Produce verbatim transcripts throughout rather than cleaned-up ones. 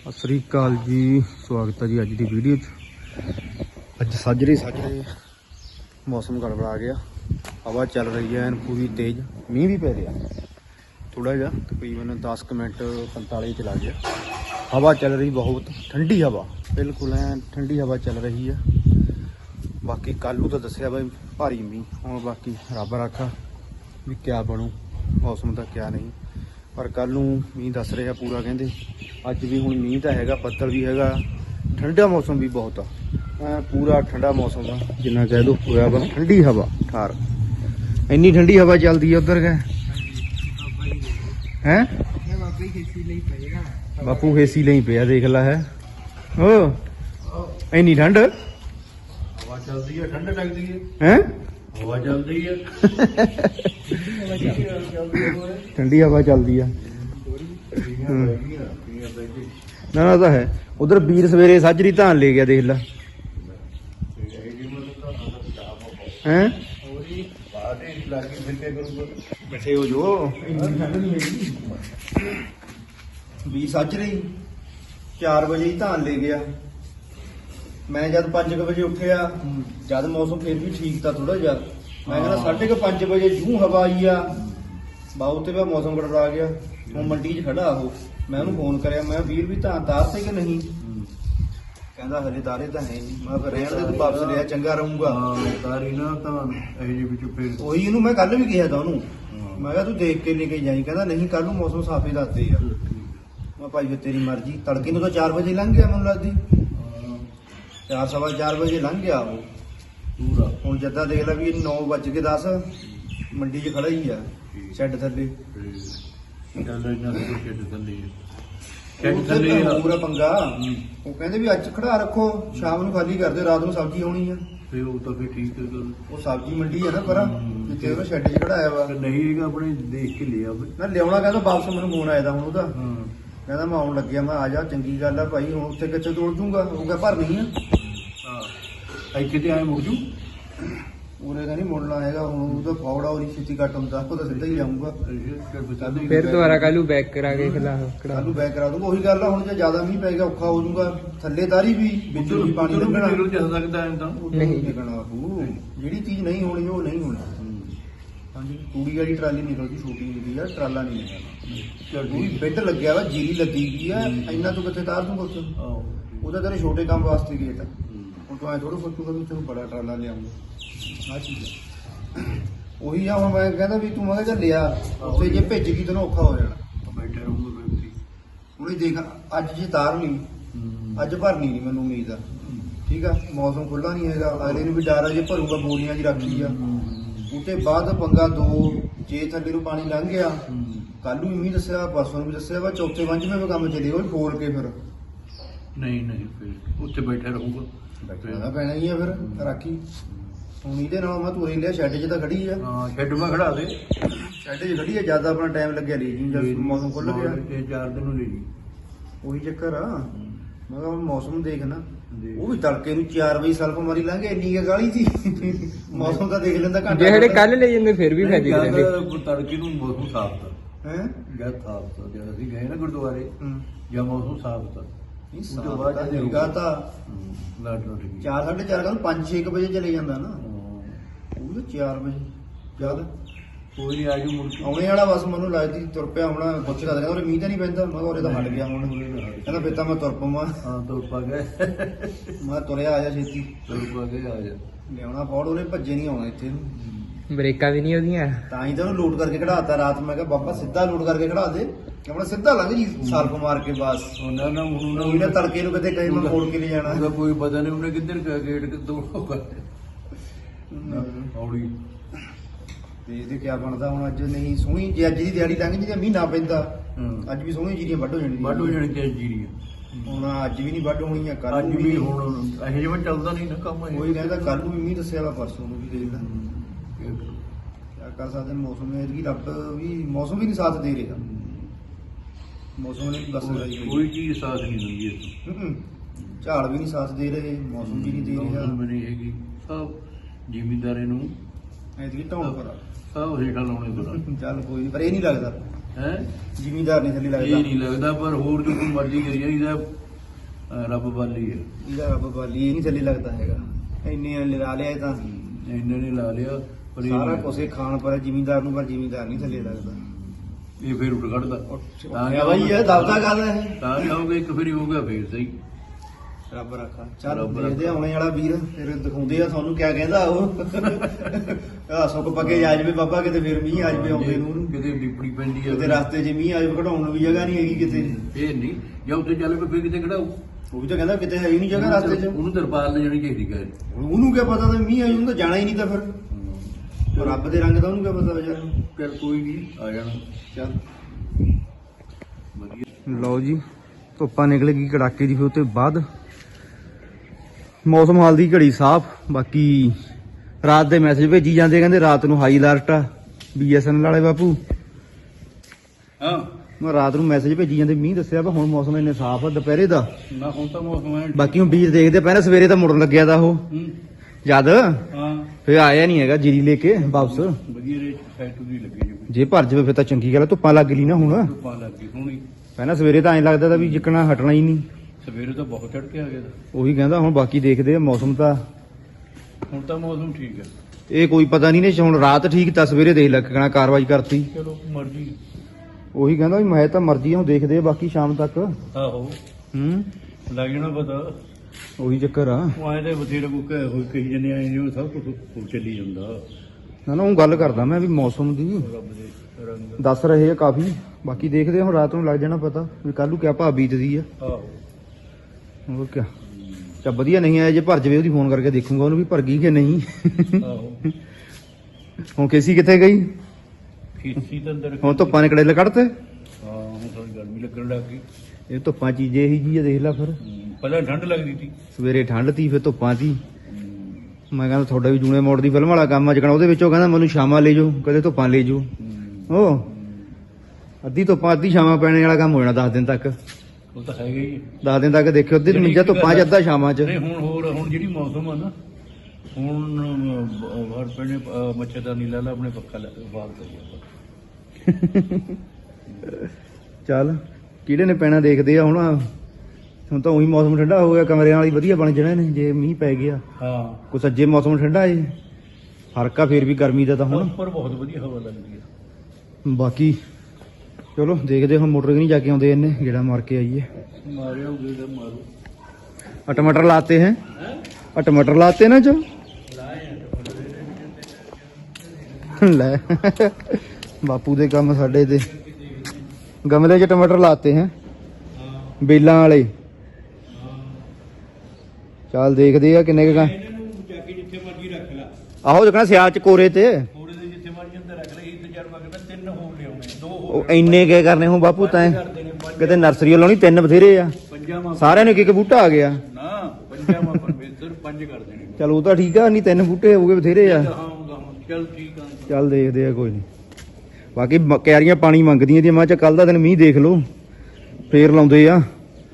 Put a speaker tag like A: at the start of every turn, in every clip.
A: ਸਤਿ ਸ੍ਰੀ ਅਕਾਲ ਜੀ, ਸਵਾਗਤ ਹੈ ਜੀ ਅੱਜ ਦੀ ਵੀਡੀਓ 'ਚ। ਅੱਜ ਸਾਜਰੇ ਸਾਜਰੇ ਮੌਸਮ ਗੜਬੜਾ ਗਿਆ, ਹਵਾ ਚੱਲ ਰਹੀ ਹੈ ਪੂਰੀ ਤੇਜ਼, ਮੀਂਹ ਵੀ ਪੈ ਰਿਹਾ ਥੋੜਾ ਜਿਹਾ, ਤਕਰੀਬਨ दस ਕੁ ਮਿੰਟ पैंतालीस ਚਲਾ ਗਿਆ। हवा चल रही बहुत ठंडी हवा, बिल्कुल ऐ ठंडी हवा चल रही है। बाकी कल तो दसिया भाई भारी मींह, हुण बाकी रब राखा भी क्या बनू मौसम का क्या नहीं, पर कल नूं मींह दस रहे पूरा, कहते अज भी हुण मींह तो हैगा, बदल भी हैगा, ठंडा मौसम भी बहुत आ, पूरा ठंडा मौसम आ, जिन्ना कह दो होया वा ठंडी हवा ठार। इन्नी ठंडी हवा चलती है उधर गए हैं बापू एसी नहीं पिया, देख ला है ओ इन्नी ठंड
B: हवा चलती है, ठंड लगती है
A: हैं
B: हवा चलती है
A: ठंडी हवा चलती है ना ना तो है। उधर वीर सवेरे साजरी धान ले गया, देख ला हैं बैठे हो जो भी साजरे चार बजे ही धान ले गया। मैं जब पांच बजे उठिया, जब मौसम फिर भी ठीक था थोड़ा जा, मैं कहना साढ़े के पांच बजे जूं हवा आई आ बहुत ते मौसम गड़बड़ा गया। हूँ मंडी च खड़ा हो, मैं उन्होंने फोन कराया, मैं वीर भी धान तारते कि नहीं, कहता हले तारे तो है नहीं। मैं फिर रहने दे, तू वापस लिया चंगा रहूंगा।
B: तारी ना धान फिर
A: ਉਹੀ ਇਹਨੂੰ ਮੈਂ ਕੱਲ ਵੀ ਕਿਹਾ ਤਾਂ ਉਹਨੂੰ, ਮੈਂ ਕਿਹਾ ਤੂੰ ਦੇਖ ਕੇ ਲੈ ਕੇ ਜਾਈਂ, ਕਹਿੰਦਾ ਨਹੀਂ ਕੱਲ ਨੂੰ ਮੌਸਮ ਸਾਫ ਹੀ ਦੱਸਦੇ ਆ। ਮੈਂ ਭਾਈ ਫਿਰ ਤੇਰੀ ਮਰਜ਼ੀ। ਤੜਕੇ ਨੂੰ ਤਾਂ ਚਾਰ ਵਜੇ ਲੰਘ ਗਿਆ, ਮੈਨੂੰ ਲੱਗਦੀ ਚਾਰ ਸਵਾ ਚਾਰ ਵਜੇ ਲੰਘ ਗਿਆ ਉਹ
B: ਪੂਰਾ।
A: ਹੁਣ ਜੱਦਾ ਦੇਖ ਲੈ ਵੀ ਨੌ ਵੱਜ ਕੇ ਦਸ ਮੰਡੀ 'ਚ ਖੜਾ ਹੀ ਆ ਸ਼ੈੱਡ ਥੱਲੇ।
B: ਚੱਲ ਇਹਨਾਂ ਦੇ ਛੱਡ ਥੱਲੇ
A: ਉੱਥੇ ਤਾਂ ਪੂਰਾ ਪੰਗਾ। ਉਹ ਕਹਿੰਦੇ ਵੀ ਅੱਜ ਖੜਾ ਰੱਖੋ, ਸ਼ਾਮ ਨੂੰ ਖਾਲੀ ਕਰਦੇ, ਰਾਤ ਨੂੰ ਸਬਜ਼ੀ ਆਉਣੀ ਆ।
B: ਫਿਰ ਉਹ ਤਾਂ ਫਿਰ ਠੀਕ ਹੈ ਗੱਲ।
A: ਉਹ ਸਬਜ਼ੀ ਮੰਡੀ ਆ ਨਾ ਪਰਾਂ, ਜਿੱਥੇ ਉਹ ਸ਼ੈੱਡ 'ਚ ਖੜਾਇਆ ਵਾ।
B: ਨਹੀਂ ਹੈਗਾ ਆਪਣੇ ਦੇਖ ਕੇ ਲਿਆ ਬਈ
A: ਨਾ ਲਿਆਉਣਾ, ਕਹਿੰਦਾ ਵਾਪਸ ਮੈਨੂੰ ਫੋਨ ਆਇਆ ਤਾਂ ਹੁਣ ਉਹਦਾ,
B: ਹਾਂ
A: ਕਹਿੰਦਾ ਮੈਂ ਆਉਣ ਲੱਗਿਆ। ਮੈਂ ਆ ਜਾ, ਚੰਗੀ ਗੱਲ ਆ ਭਾਈ, ਹੁਣ ਉੱਥੇ ਕਿੱਥੇ ਤੋੜ ਦੂੰਗਾ, ਉਹ ਕਿਹਾ ਭਰਨੀ ਆ।
B: ਹਾਂ ਇੱਥੇ ਤੇ ਆਏ ਮੁੱਜੂ
A: ਉਰੇ ਤਾਂ ਨਹੀਂ ਮੁੜਨਾ ਹੈਗਾ ਹੁਣ, ਉਹ ਤਾਂ ਫੌੜਾ ਉਹਦੀ ਛੇਤੀ ਕੱਟ ਹੁੰਦਾ, ਉਹ ਤਾਂ ਸਿੱਧਾ ਹੀ ਜਾਊਗਾ।
C: ਫਿਰ ਦੁਬਾਰਾ ਕੱਲੂ ਬੈਕ ਕਰਾ ਕੇ ਖਿਲਾ
A: ਕੱਲ ਨੂੰ ਬੈਕ ਕਰਾ ਦੂੰਗਾ। ਉਹੀ ਗੱਲ ਆ, ਹੁਣ ਜੇ ਜ਼ਿਆਦਾ ਮੀਂਹ ਪੈ ਗਿਆ ਔਖਾ ਹੋ ਜਾਊਗਾ, ਥੱਲੇ ਤਾਰੀ ਵੀ ਵਿੱਚ ਵੀ ਪਾਣੀ ਲੱਗਣਾ,
B: ਜਾ ਸਕਦਾ ਐਂ ਤਾਂ
A: ਨਹੀਂ ਲੱਗਣਾ ਬਾਬੂ। ਜਿਹੜੀ ਚੀਜ਼ ਨਹੀਂ ਹੋਣੀ ਉਹ ਨਹੀਂ ਹੋਣੀ। ਹਾਂਜੀ, ਤੂੜੀ ਵਾਲੀ ਟਰਾਲੀ ਨਿਕਲਦੀ, ਛੋਟੀ ਹੁੰਦੀ ਆ, ਟਰਾਲਾ ਨਹੀਂ ਨਿਕਲਦਾ। ਪੂਰੀ ਬਿੱਡ ਲੱਗਿਆ ਵਾ, ਜੀਰੀ ਲੱਗੀ ਗਈ ਆ, ਇੰਨਾ ਤੂੰ ਕਿੱਥੇ ਤਾਰ ਦੂੰਗਾ ਉੱਥੇ। ਉਹ ਤਾਂ ਤੇਰੇ ਛੋਟੇ ਕੰਮ ਵਾਸਤੇ ਗੇਟ ਆ, ਹੁਣ ਤੂੰ ਐਂ ਥੋੜਾ ਸੋਚੂਗਾ ਵੀ ਤੈਨੂੰ ਬੜਾ ਟਰਾਲਾ ਲਿਆਉਂਗਾ। ਆਹ ਚੀਜ਼ ਉਹੀ ਆ। ਹੁਣ ਮੈਂ ਕਹਿੰਦਾ ਵੀ ਤੂੰ ਮੈਂ ਕਿਹਾ ਲਿਆ, ਉੱਥੇ ਜੇ ਭਿੱਜ ਗਈ ਤੈਨੂੰ ਔਖਾ ਹੋ ਜਾਣਾ।
B: ਬੈਠੇ ਰਹੂੰਗਾ ਬੈਠੀ
A: ਹੁਣ ਇਹ ਦੇਖ, ਅੱਜ ਜੇ ਤਾਰ ਨਹੀਂ, ਅੱਜ ਭਰਨੀ ਨਹੀਂ ਮੈਨੂੰ ਉਮੀਦ ਆ, ਠੀਕ ਆ। ਮੌਸਮ ਖੁੱਲਾ ਨਹੀਂ ਹੈਗਾ, ਅਗਲੇ ਨੂੰ ਵੀ ਡਰ ਆ ਜੇ ਭਰੂਗਾ, ਬੋਲੀਆਂ ਜੀ ਰੱਖੀ ਆ। ਉਹਤੇ ਬਾਅਦ ਪੰਗਾ ਦੋ, ਜੇ ਥੱਲੇ ਨੂੰ ਪਾਣੀ ਲੰਘ ਗਿਆ, ਕੱਲ ਨੂੰ ਵੀ ਦੱਸਿਆ, ਪਰਸੋਂ ਵੀ ਦੱਸਿਆ ਵਾ, ਚੌਥੇ ਪੰਜਵੇਂ ਕੰਮ ਚੱਲੇ ਉਹ ਬੋਲ ਕੇ ਫਿਰ
B: ਨਹੀਂ ਨਹੀਂ ਫਿਰ ਉੱਥੇ ਬੈਠਾ ਰਹੂੰਗਾ।
A: ਬੈਠਣਾ ਪੈਣਾ ਹੀ ਆ ਫਿਰ, ਰਾਖੀ। ਹੁਣ ਇਹਦੇ ਨਾਲ ਮੈਂ ਤੂੰ ਲਿਆ, ਸ਼ੈੱਡ 'ਚ ਤਾਂ ਖੜੀ ਆ।
B: ਹਾਂ ਸ਼ੈੱਡ ਮੈਂ ਖੜਾ ਦੇ,
A: ਸ਼ੈੱਡ 'ਚ ਖੜੀ ਆ, ਜਿਆਦਾ ਆਪਣਾ ਟਾਈਮ ਲੱਗਿਆ ਲਈ ਜੀ, ਜਦ ਮੌਸਮ ਖੁੱਲ ਗਿਆ
B: ਇਹ ਚਾਰ ਦਿਨ ਨੂੰ ਲੈ ਜੀ।
A: ਉਹੀ ਚੱਕਰ ਆ। ਮੈਂ ਕਿਹਾ ਹੁਣ ਮੌਸਮ ਦੇਖ ਨਾ, ਉਹ ਵੀ ਤੜਕੇ ਨੂੰ ਚਾਰ ਵਜੇ ਸਲਫ ਮਾਰੀ ਲੰਘੇ, ਇੰਨੀ ਕੁ ਗਾਲੀ ਸੀ। ਮੌਸਮ ਤਾਂ ਦੇਖ ਲੈਂਦਾ ਘੰਟਾ,
C: ਜਿਹੜੇ ਕੱਲ ਲੈ ਜਾਂਦੇ ਫਿਰ ਵੀ ਫਾਇਦੇ ਰਹਿੰਦੇ।
B: ਤੜਕੇ ਨੂੰ ਮੌਸਮ ਸਾਫ਼ ਤਾਂ
A: ਹੈ
B: ਜਦ ਸਾਫ਼ ਤਾਂ ਜਦ ਅਸੀਂ ਗਏ ਨਾ ਗੁਰਦੁਆਰੇ, ਜਾਂ ਮੌਸਮ ਸਾਫ਼ ਤਾਂ
A: ਇਸ ਤੋਂ ਬਾਅਦ ਨਿਗਾ ਤਾਂ
B: ਲਾਟ ਲਾਟ ਗਈ।
A: ਚਾਰ ਸਾਢੇ ਚਾਰ ਕੱਲ ਪੰਜ ਛੇ ਕੁ ਵਜੇ ਚਲੇ ਜਾਂਦਾ ਨਾ, ਉਹ ਤਾਂ ਚਾਰ ਵਜੇ ਜਦ
B: ਕੋਈ ਨਹੀਂ ਆਜੂ ਮੁੜ ਕੇ
A: ਆਉਣੇ ਵਾਲਾ। ਬਸ ਮੈਨੂੰ ਲੱਗਦੀ ਤੁਰ ਪਿਆ ਹੋਣਾ, ਪੁੱਛਦਾ ਕਹਿੰਦਾ ਉਹਨੇ ਮੀਂਹ ਤਾਂ ਨਹੀਂ ਪੈਂਦਾ। ਮੈਂ ਕਿਹਾ ਉਹਰੇ ਤਾਂ ਹਟ ਗਿਆ ਹੁਣ, ਕਹਿੰਦਾ ਫਿਰ ਤਾਂ ਮੈਂ ਤੁਰ ਪਵਾਂ।
B: ਹਾਂ ਤੁਰ ਪਾ ਗਏ,
A: ਮੈਂ ਤੁਰਿਆ ਆ ਜਾ ਛੇਤੀ,
B: ਤੁਰ ਪਾ ਗਏ ਆ ਜਾ
A: ਲਿਆਉਣਾ ਫੌੜ, ਉਹਨੇ ਭੱਜੇ ਨਹੀਂ ਆਉਣਾ ਇੱਥੇ ਨੂੰ,
C: ਬ੍ਰੇਕਾਂ ਵੀ ਨਹੀਂ ਉਹਦੀਆਂ।
A: ਤਾਂ ਹੀ ਤਾਂ ਉਹਨੂੰ ਲੋਡ ਕਰਕੇ ਖੜਾਤਾ ਰਾਤ। ਮੈਂ ਕਿਹਾ ਬਾਬਾ ਸਿੱਧਾ ਲੋਡ ਕਰਕੇ ਖੜਾ ਦੇ, ਆਪਣਾ ਸਿੱਧਾ ਲੰਘ ਜੀ ਸਾਲਫ ਮਾਰ ਕੇ ਬਸ।
B: ਉਹਨਾਂ ਨਾਲ ਹੁਣ
A: ਉਹਨੇ ਤੜਕੇ ਨੂੰ ਕਿਤੇ ਕਹੇ ਮੈਂ ਮੋੜ ਕੇ ਲੈ ਜਾਣਾ,
B: ਉਹਦਾ ਕੋਈ ਪਤਾ ਨਹੀਂ ਉਹਨੇ ਕਿੱਧਰ ਗਿਆ, ਗੇਟ ਕਿੱਦੋਂ ਔੜੀ।
A: ਤੇ ਇਹਦੇ ਕੀ ਬਣਦਾ ਹੁਣ। ਅੱਜ ਨਹੀਂ ਸੋਹਣੀ, ਜੇ ਅੱਜ ਦੀ ਦਿਹਾੜੀ ਲੰਘ ਜੀ, ਮੀਂਹ ਨਾ ਪੈਂਦਾ ਅੱਜ ਵੀ ਸੋਹਣੀ ਜੀਰੀਆਂ ਵੱਢ ਹੋ ਜਾਣੀਆਂ।
B: ਵੱਢ ਹੋ ਜਾਣੀ ਤੇ ਜੀਰੀ
A: ਹੁਣ ਅੱਜ ਵੀ ਨਹੀਂ ਵੱਢ ਹੋਣੀਆਂ, ਕੱਲ
B: ਅੱਜ
A: ਨੂੰ
B: ਵੀ ਹੁਣ ਇਹੋ ਜਿਹਾ ਚੱਲਦਾ ਨਹੀਂ ਨਾ ਕੰਮ।
A: ਕੋਈ ਕਹਿੰਦਾ ਕੱਲ ਨੂੰ ਵੀ ਮੀਂਹ ਦੱਸਿਆ ਵਾ, ਪਰਸੋਂ ਨੂੰ ਵੀ ਦੇਖਦਾ
B: ਇਹ
A: ਕਿਆ ਕਰ ਸਕਦੇ। ਮੌਸਮ ਨੇ ਇਹਦੀ ਰੱਬ ਵੀ, ਮੌਸਮ ਵੀ ਨਹੀਂ ਸਾਥ ਦੇ ਰਿਹਾ, ਮੌਸਮ ਨੇ ਦੱਸ ਰਿਹਾ
B: ਕੋਈ ਚੀਜ਼ ਸਾਥ ਨਹੀਂ ਦਿੰਦੀ ਇਸ
A: ਹੂੰ, ਝਾੜ ਵੀ ਨਹੀਂ ਸਾਥ ਦੇ ਰਹੇ, ਮੌਸਮ ਵੀ ਨਹੀਂ ਦੇ ਰਿਹਾ।
B: ਨਹੀਂ ਹੈਗੀ ਸਭ ਜ਼ਿਮੀਂਦਾਰੇ ਨੂੰ
A: ਐਤਕੀ ਢਾਉਣ ਪਰ
B: ਸਭ ਹੇਠਾਂ ਲਾਉਣੇ ਤੋਂ
A: ਚੱਲ ਕੋਈ ਨਹੀਂ, ਪਰ ਇਹ ਨਹੀਂ ਲੱਗਦਾ
B: ਹੈ
A: ਜ਼ਿਮੀਂਦਾਰ ਨਹੀਂ ਥੱਲੇ
B: ਇਹ
A: ਲੱਗਦਾ
B: ਨਹੀਂ ਲੱਗਦਾ, ਪਰ ਹੋਰ ਜੋ ਕੋਈ ਮਰਜ਼ੀ ਕਰੀ ਜਾਏ ਇਹਦਾ ਅਹ, ਰੱਬ ਵਾਲੀ ਹੈ।
A: ਇਹਦਾ ਰੱਬ ਬਾਲੀ ਇਹ ਨਹੀਂ ਥੱਲੇ ਲੱਗਦਾ ਹੈਗਾ। ਇੰਨੇ ਲਿਆ ਲਿਆ ਇਹ ਤਾਂ
B: ਇਹਨਾਂ ਨੇ ਲਾ ਲਿਆ ਪਰ ਇਹ
A: ਸਾਰਾ
B: ਨਹੀਂ-
A: ਕੁਛ ਇਹ ਖਾਣ ਪਰ ਜ਼ਿਮੀਂਦਾਰ ਨੂੰ, ਪਰ ਜ਼ਿਮੀਂਦਾਰ ਨਹੀਂ ਥੱਲੇ ਲੱਗਦਾ।
B: ਇਹ ਫੇਰ ਉੱਠ ਖੜਦਾ
A: ਆ ਬਾਈ ਇਹ ਦਬਦਾ ਕਰਦਾ ਇਹ
B: ਤਾਂ ਹੀ ਆਉਗਾ ਇੱਕ ਫੇਰੀ ਹੋ ਗਿਆ ਫੇਰ ਸਹੀ।
A: ਰੱਬ ਰੱਖਾ ਚੱਲ
B: ਰੱਬ
A: ਦੇਖਦੇ
B: ਰੱਖਾ।
A: ਆਉਣੇ ਵਾਲਾ ਵੀਰ ਫਿਰ ਦਿਖਾਉਂਦੇ ਆ ਤੁਹਾਨੂੰ ਕਿਆ ਕਹਿੰਦਾ ਉਹ ਆ ਸੁੱਕ ਪੱਕੇ ਆ ਜਾਵੇ ਬਾਬਾ, ਕਿਤੇ ਫਿਰ ਮੀਂਹ ਆ ਜਾਵੇ ਆਉਂਦੇ ਨੂੰ ਉਹਨੂੰ,
B: ਕਿਤੇ ਡਿਪੜੀ ਪੈਂਦੀ ਆ
A: ਕਿਤੇ ਰਸਤੇ 'ਚ ਮੀਂਹ ਆ ਜਾਵੇ ਘਟਾਉਣ ਨੂੰ ਵੀ ਜਗ੍ਹਾ ਨਹੀਂ ਹੈਗੀ ਕਿਤੇ।
B: ਇਹ ਨਹੀਂ ਜਾਂ ਉੱਥੇ ਚੱਲ ਪਏ ਫੇਰ ਕਿਤੇ ਖੜਾਓ।
A: ਉਹ ਵੀ ਤਾਂ ਕਹਿੰਦਾ ਕਿਤੇ ਹੈ ਹੀ ਨਹੀਂ ਜਗ੍ਹਾ ਰਸਤੇ 'ਚ।
B: ਉਹਨੂੰ ਤਰਪਾਲ ਲੈ ਜਾਣੀ ਚਾਹੀਦੀ ਗਏ।
A: ਹੁਣ ਉਹਨੂੰ ਕਿਆ ਪਤਾ ਤਾਂ ਮੀਂਹ ਆਈ, ਉਹਨੂੰ ਤਾਂ ਜਾਣਾ ਹੀ ਨਹੀਂ ਤਾਂ ਫਿਰ ਰੱਬ ਦੇ ਰੰਗ ਦਾ ਉਹਨੂੰ ਕਿਆ ਪਤਾ ਵਿਚਾਰੇ ਨੂੰ।
B: ਚੱਲ ਕੋਈ ਨਹੀਂ ਆ ਜਾਣਾ
A: ਚੱਲ
B: ਵਧੀਆ।
A: ਲਓ ਜੀ ਧੁੱਪਾਂ ਨਿਕਲ ਗਈ ਕੜਾਕੇ ਦੀ, ਫਿਰ ਉਹ ਤੋਂ ਬਾਅਦ ਮੌਸਮ ਹਾਲ ਦੀ ਘੜੀ ਸਾਫ਼। ਬਾਕੀ ਰਾਤ ਦੇ ਮੈਸੇਜ ਭੇਜੀ ਜਾਂਦੇ, ਕਹਿੰਦੇ ਰਾਤ ਨੂੰ ਹਾਈ ਅਲਰਟ ਆ ਬੀਐਸਐਨਐਲ ਵਾਲੇ ਬਾਪੂ।
B: ਹਾਂ
A: ਮੈਂ ਰਾਤ ਨੂੰ ਮੈਸੇਜ ਭੇਜੀ ਜਾਂਦੇ, ਮੀਂਹ ਦੱਸਿਆ ਵਾ। ਹੁਣ ਮੌਸਮ ਇੰਨੇ ਸਾਫ਼ ਆ ਦੁਪਹਿਰੇ ਦਾ।
B: ਨਾ ਹੁਣ ਤਾਂ ਮੌਸਮ ਹੈ।
A: ਬਾਕੀ ਹੁਣ ਵੀਰ ਦੇਖਦੇ ਪਹਿਲਾਂ ਸਵੇਰੇ ਤਾਂ ਮੁੜਨ ਲੱਗਿਆ ਦਾ ਉਹ
B: ਹੂੰ
A: ਜਦ,
B: ਹਾਂ
A: ਫਿਰ ਆਇਆ ਨਹੀਂ ਹੈਗਾ ਜੀਰੀ ਲੈ ਕੇ ਵਾਪਸ।
B: ਵਧੀਆ ਰੇਟ ਸਾਈਡ ਦੀ ਲੱਗੀ ਜੀ।
A: ਜੇ ਭਰ ਜਾਵੇ ਫਿਰ ਤਾਂ ਚੰਗੀ ਗੱਲ ਆ, ਧੁੱਪਾਂ ਲੱਗ ਗਈ ਨਾ ਹੁਣ।
B: ਧੁੱਪਾਂ ਲੱਗ ਗਈ ਹੁਣੀ।
A: ਪਹਿਲਾਂ ਸਵੇਰੇ ਤਾਂ ਐਂ ਲੱਗਦਾ ਤਾਂ ਵੀ ਜਿੱਕਣਾ ਹਟਣਾ ਹੀ ਨਹੀਂ।
B: ਸਵੇਰੇ ਤਾਂ ਬਹੁਤ ਚੜ ਕੇ ਆ ਗਿਆ ਤਾ।
A: ਉਹੀ ਕਹਿੰਦਾ ਹੁਣ ਬਾਕੀ ਦੇਖਦੇ ਆ ਮੌਸਮ ਤਾਂ।
B: ਹੁਣ ਤਾਂ ਮੌਸਮ ਠੀਕ ਹੈ।
A: ਇਹ ਕੋਈ ਪਤਾ ਨਹੀਂ ਨੇ, ਹੁਣ ਰਾਤ ਠੀਕ ਤਾਂ ਸਵੇਰੇ ਦੇਖ ਲੱਗਣਾ ਕਾਰਵਾਈ ਕਰਤੀ।
B: ਚਲੋ ਮਰਜ਼ੀ।
A: ਉਹੀ ਕਹਿੰਦਾ ਵੀ ਮੈਂ ਤਾਂ ਮਰਜ਼ੀ ਆ, ਹੁਣ ਦੇਖਦੇ ਆ ਬਾਕੀ ਸ਼ਾਮ ਤੱਕ।
B: ਆਹੋ
A: ਹੂੰ
B: ਲੱਗ ਜਾਣਾ ਪਤਾ।
A: ਉਹੀ ਚੱਕਰ ਆ।
B: ਉਹ ਆਏ ਤੇ ਬਥੇਰੇ ਬੁੱਕ ਹੋਈ ਕਹੀ ਜਨੇ ਆਏ ਨੇ, ਉਹ ਸਭ ਕੁਝ ਹੋ ਚੱਲੀ ਜਾਂਦਾ।
A: ਨਾ ਨਾ ਉਹ ਗੱਲ ਕਰਦਾ ਮੈਂ ਵੀ ਮੌਸਮ ਦੀ
B: ਰੱਬ ਦੇ ਰੰਗ।
A: ਦੱਸ ਰਹੇ ਆ ਕਾਫੀ। ਬਾਕੀ ਦੇਖਦੇ ਆ ਹੁਣ ਰਾਤ ਨੂੰ ਲੱਗ ਜਾਣਾ ਪਤਾ ਵੀ ਕੱਲ ਨੂੰ ਕਿਆ ਭਾਅ ਬੀਤਦੀ ਆ।
B: ਆਹੋ
A: ਹੋਰ ਕਿਆ ਚਾ ਵਧੀਆ ਨਹੀਂ ਆਇਆ, ਜੇ ਭਰ ਜਵੇ ਉਹਦੀ ਫੋਨ ਕਰਕੇ ਦੇਖੂੰਗਾ ਉਹਨੂੰ ਵੀ ਭਰ ਗਈ ਕਿ ਨਹੀਂ।
B: ਆਹੋ
A: ਹੁਣ ਕੇਸੀ ਕਿੱਥੇ ਗਈ?
B: ਖੀਸੀ ਤਾਂ ਅੰਦਰ।
A: ਹੁਣ ਧੁੱਪਾਂ ਨੇ ਕੜੇਲੇ ਕੱਢਤੇ।
B: ਹਾਂ ਹੁਣ ਥੋੜੀ ਗਰਮੀ ਲੱਗਣ ਲੱਗ ਗਈ।
A: ਇਹ ਧੁੱਪਾਂ ਚੀਜ਼ੇ ਇਹੀ ਜੀ ਆ, ਦੇਖ ਲੈ ਫਿਰ।
B: ਹੂੰ, ਪਹਿਲਾਂ ਠੰਡ ਲੱਗਦੀ ਸੀ।
A: ਸਵੇਰੇ ਠੰਡ ਤੀ, ਫਿਰ ਧੁੱਪਾਂ ਤੀ।
B: ਹੂੰ,
A: ਮੈਂ ਕਹਿੰਦਾ ਤੁਹਾਡਾ ਵੀ ਜੂਨੇ ਮੋੜ ਦੀ ਫਿਲਮ ਵਾਲਾ ਕੰਮ ਆ ਜਕਣਾ। ਉਹਦੇ ਵਿੱਚੋਂ ਕਹਿੰਦਾ ਮੈਨੂੰ ਸ਼ਾਮਾਂ ਲੈ ਜਾਓ, ਕਦੇ ਧੁੱਪਾਂ ਲੈ ਜਾਓ।
B: ਹੂੰ,
A: ਉਹ ਅੱਧੀ ਧੁੱਪਾਂ ਅੱਧੀ ਛਾਵਾਂ ਪੈਣੇ ਵਾਲਾ ਕੰਮ ਹੋ ਜਾਣਾ ਦਸ ਦਿਨ ਤੱਕ।
B: ਉਹ ਤਾਂ ਹੈਗਾ ਹੀ ਹੈ।
A: ਦਸ ਦਿਨ ਤੱਕ ਦੇਖਿਓ ਅੱਧੀ ਮਿੰਜਾ ਧੁੱਪਾਂ ਚ ਅੱਧਾ ਛਾਵਾਂ ਚ।
B: ਨਹੀਂ ਹੁਣ ਹੋਰ ਹੁਣ ਜਿਹੜੀ ਮੌਸਮ ਆ ਨਾ, ਹੁਣ ਹਰ ਪੈਣੇ ਮੱਛਰਦਾਨੀ ਲਾ ਲਾ, ਆਪਣੇ ਪੱਖਾ ਲਾ ਵਾਲ ਤੇ।
A: ਚੱਲ ਕਿਹੜੇ ਨੇ ਪੈਣਾ ਦੇਖਦੇ ਆ ਹੁਣ। ਹੁਣ ਤਾਂ ਉਹੀ ਮੌਸਮ ਠੰਡਾ ਹੋ ਗਿਆ, ਕਮਰਿਆਂ ਵਾਲੀ ਵਧੀਆ ਬਣ ਜਾਣੇ ਨੇ ਜੇ ਮੀਂਹ ਪੈ ਗਿਆ।
B: ਹਾਂ
A: ਕੁਛ ਅੱਜੇ ਮੌਸਮ ਠੰਡਾ ਏ, ਫਰਕ ਆ ਫੇਰ ਵੀ ਗਰਮੀ ਦਾ ਤਾਂ ਹੁਣ।
B: ਉੱਪਰ ਬਹੁਤ ਵਧੀਆ ਹਵਾ ਲੱਗਦੀ ਹੈ।
A: ਬਾਕੀ ਚਲੋ ਦੇਖਦੇ ਹੁਣ ਮੋਟਰ ਕਿ ਨਹੀਂ ਜਾ ਕੇ ਆਉਂਦੇ ਇਹਨੇ ਗੇੜਾ ਮਾਰ ਕੇ ਆਈਏ।
B: ਮਾਰਿਆ ਹੋਗੇ ਤਾਂ ਮਾਰੋ।
A: ਆ टमाटर लाते हैं, आ टमाटर लाते ना जो ਲੈ ਬਾਪੂ ਦੇ ਕੰਮ ਸਾਡੇ ਤੇ। ਗਮਲੇ 'ਚ ਟਮਾਟਰ ਲਾਤੇ हैं ਬੇਲਾਂ ਵਾਲੇ। ਚੱਲ ਦੇਖਦੇ ਆ ਕਿੰਨੇ ਕ
B: ਚਾਕੀ ਜਿੱਥੇ ਮਰਜੀ ਰੱਖ ਲੈ।
A: ਆਹੋ ਜਕਣਾ ਸਿਆਲ 'ਚ ਕੋਰੇ ਤੇ
B: ਥੋੜੇ ਦੇ ਜਿੱਥੇ ਮਰਜੀ ਅੰਦਰ ਰੱਖ ਲੈ। ਇਹ ਤਜਰਬਾ ਕਰਦਾ ਤਿੰਨ ਹੋਰ ਲਿਆਉਣੇ, ਦੋ ਹੋਰ
A: ਉਹ ਇੰਨੇ ਕੇ ਕਰਨੇ ਹੋ ਬਾਪੂ ਤੈਂ
B: ਕਰਦੇ ਨੇ। ਪੰਜ
A: ਕਿਤੇ ਨਰਸਰੀ ਲਾਉਣੀ, ਤਿੰਨ ਬਥੇਰੇ ਆ
B: ਪੰਜਾਂ
A: ਸਾਰਿਆਂ ਨੂੰ ਇੱਕ ਇੱਕ ਬੂਟਾ ਆ ਗਿਆ।
B: ਨਾ ਪੰਜਾਂ ਮਾ ਪਰਮੇਸ਼ਰ ਪੰਜ ਕਰ ਦੇਣੇ।
A: ਚਲ ਉਹ ਤਾਂ ਠੀਕ ਆ, ਨਹੀਂ ਤਿੰਨ ਬੂਟੇ ਹੋ ਗਏ ਬਥੇਰੇ ਆ।
B: ਹਾਂ ਹਾਂ ਚੱਲ ਠੀਕ ਆ।
A: ਚੱਲ ਦੇਖਦੇ ਆ ਕੋਈ ਨਹੀਂ। ਬਾਕੀ ਮ- ਕਿਆਰੀਆਂ ਪਾਣੀ ਮੰਗਦੀਆਂ ਦੀਆਂ। ਮੈਂ ਕਿਹਾ ਕੱਲ ਦਾ ਦਿਨ ਮੀਂਹ ਦੇਖ ਲਓ ਫੇਰ ਲਾਉਂਦੇ ਆ।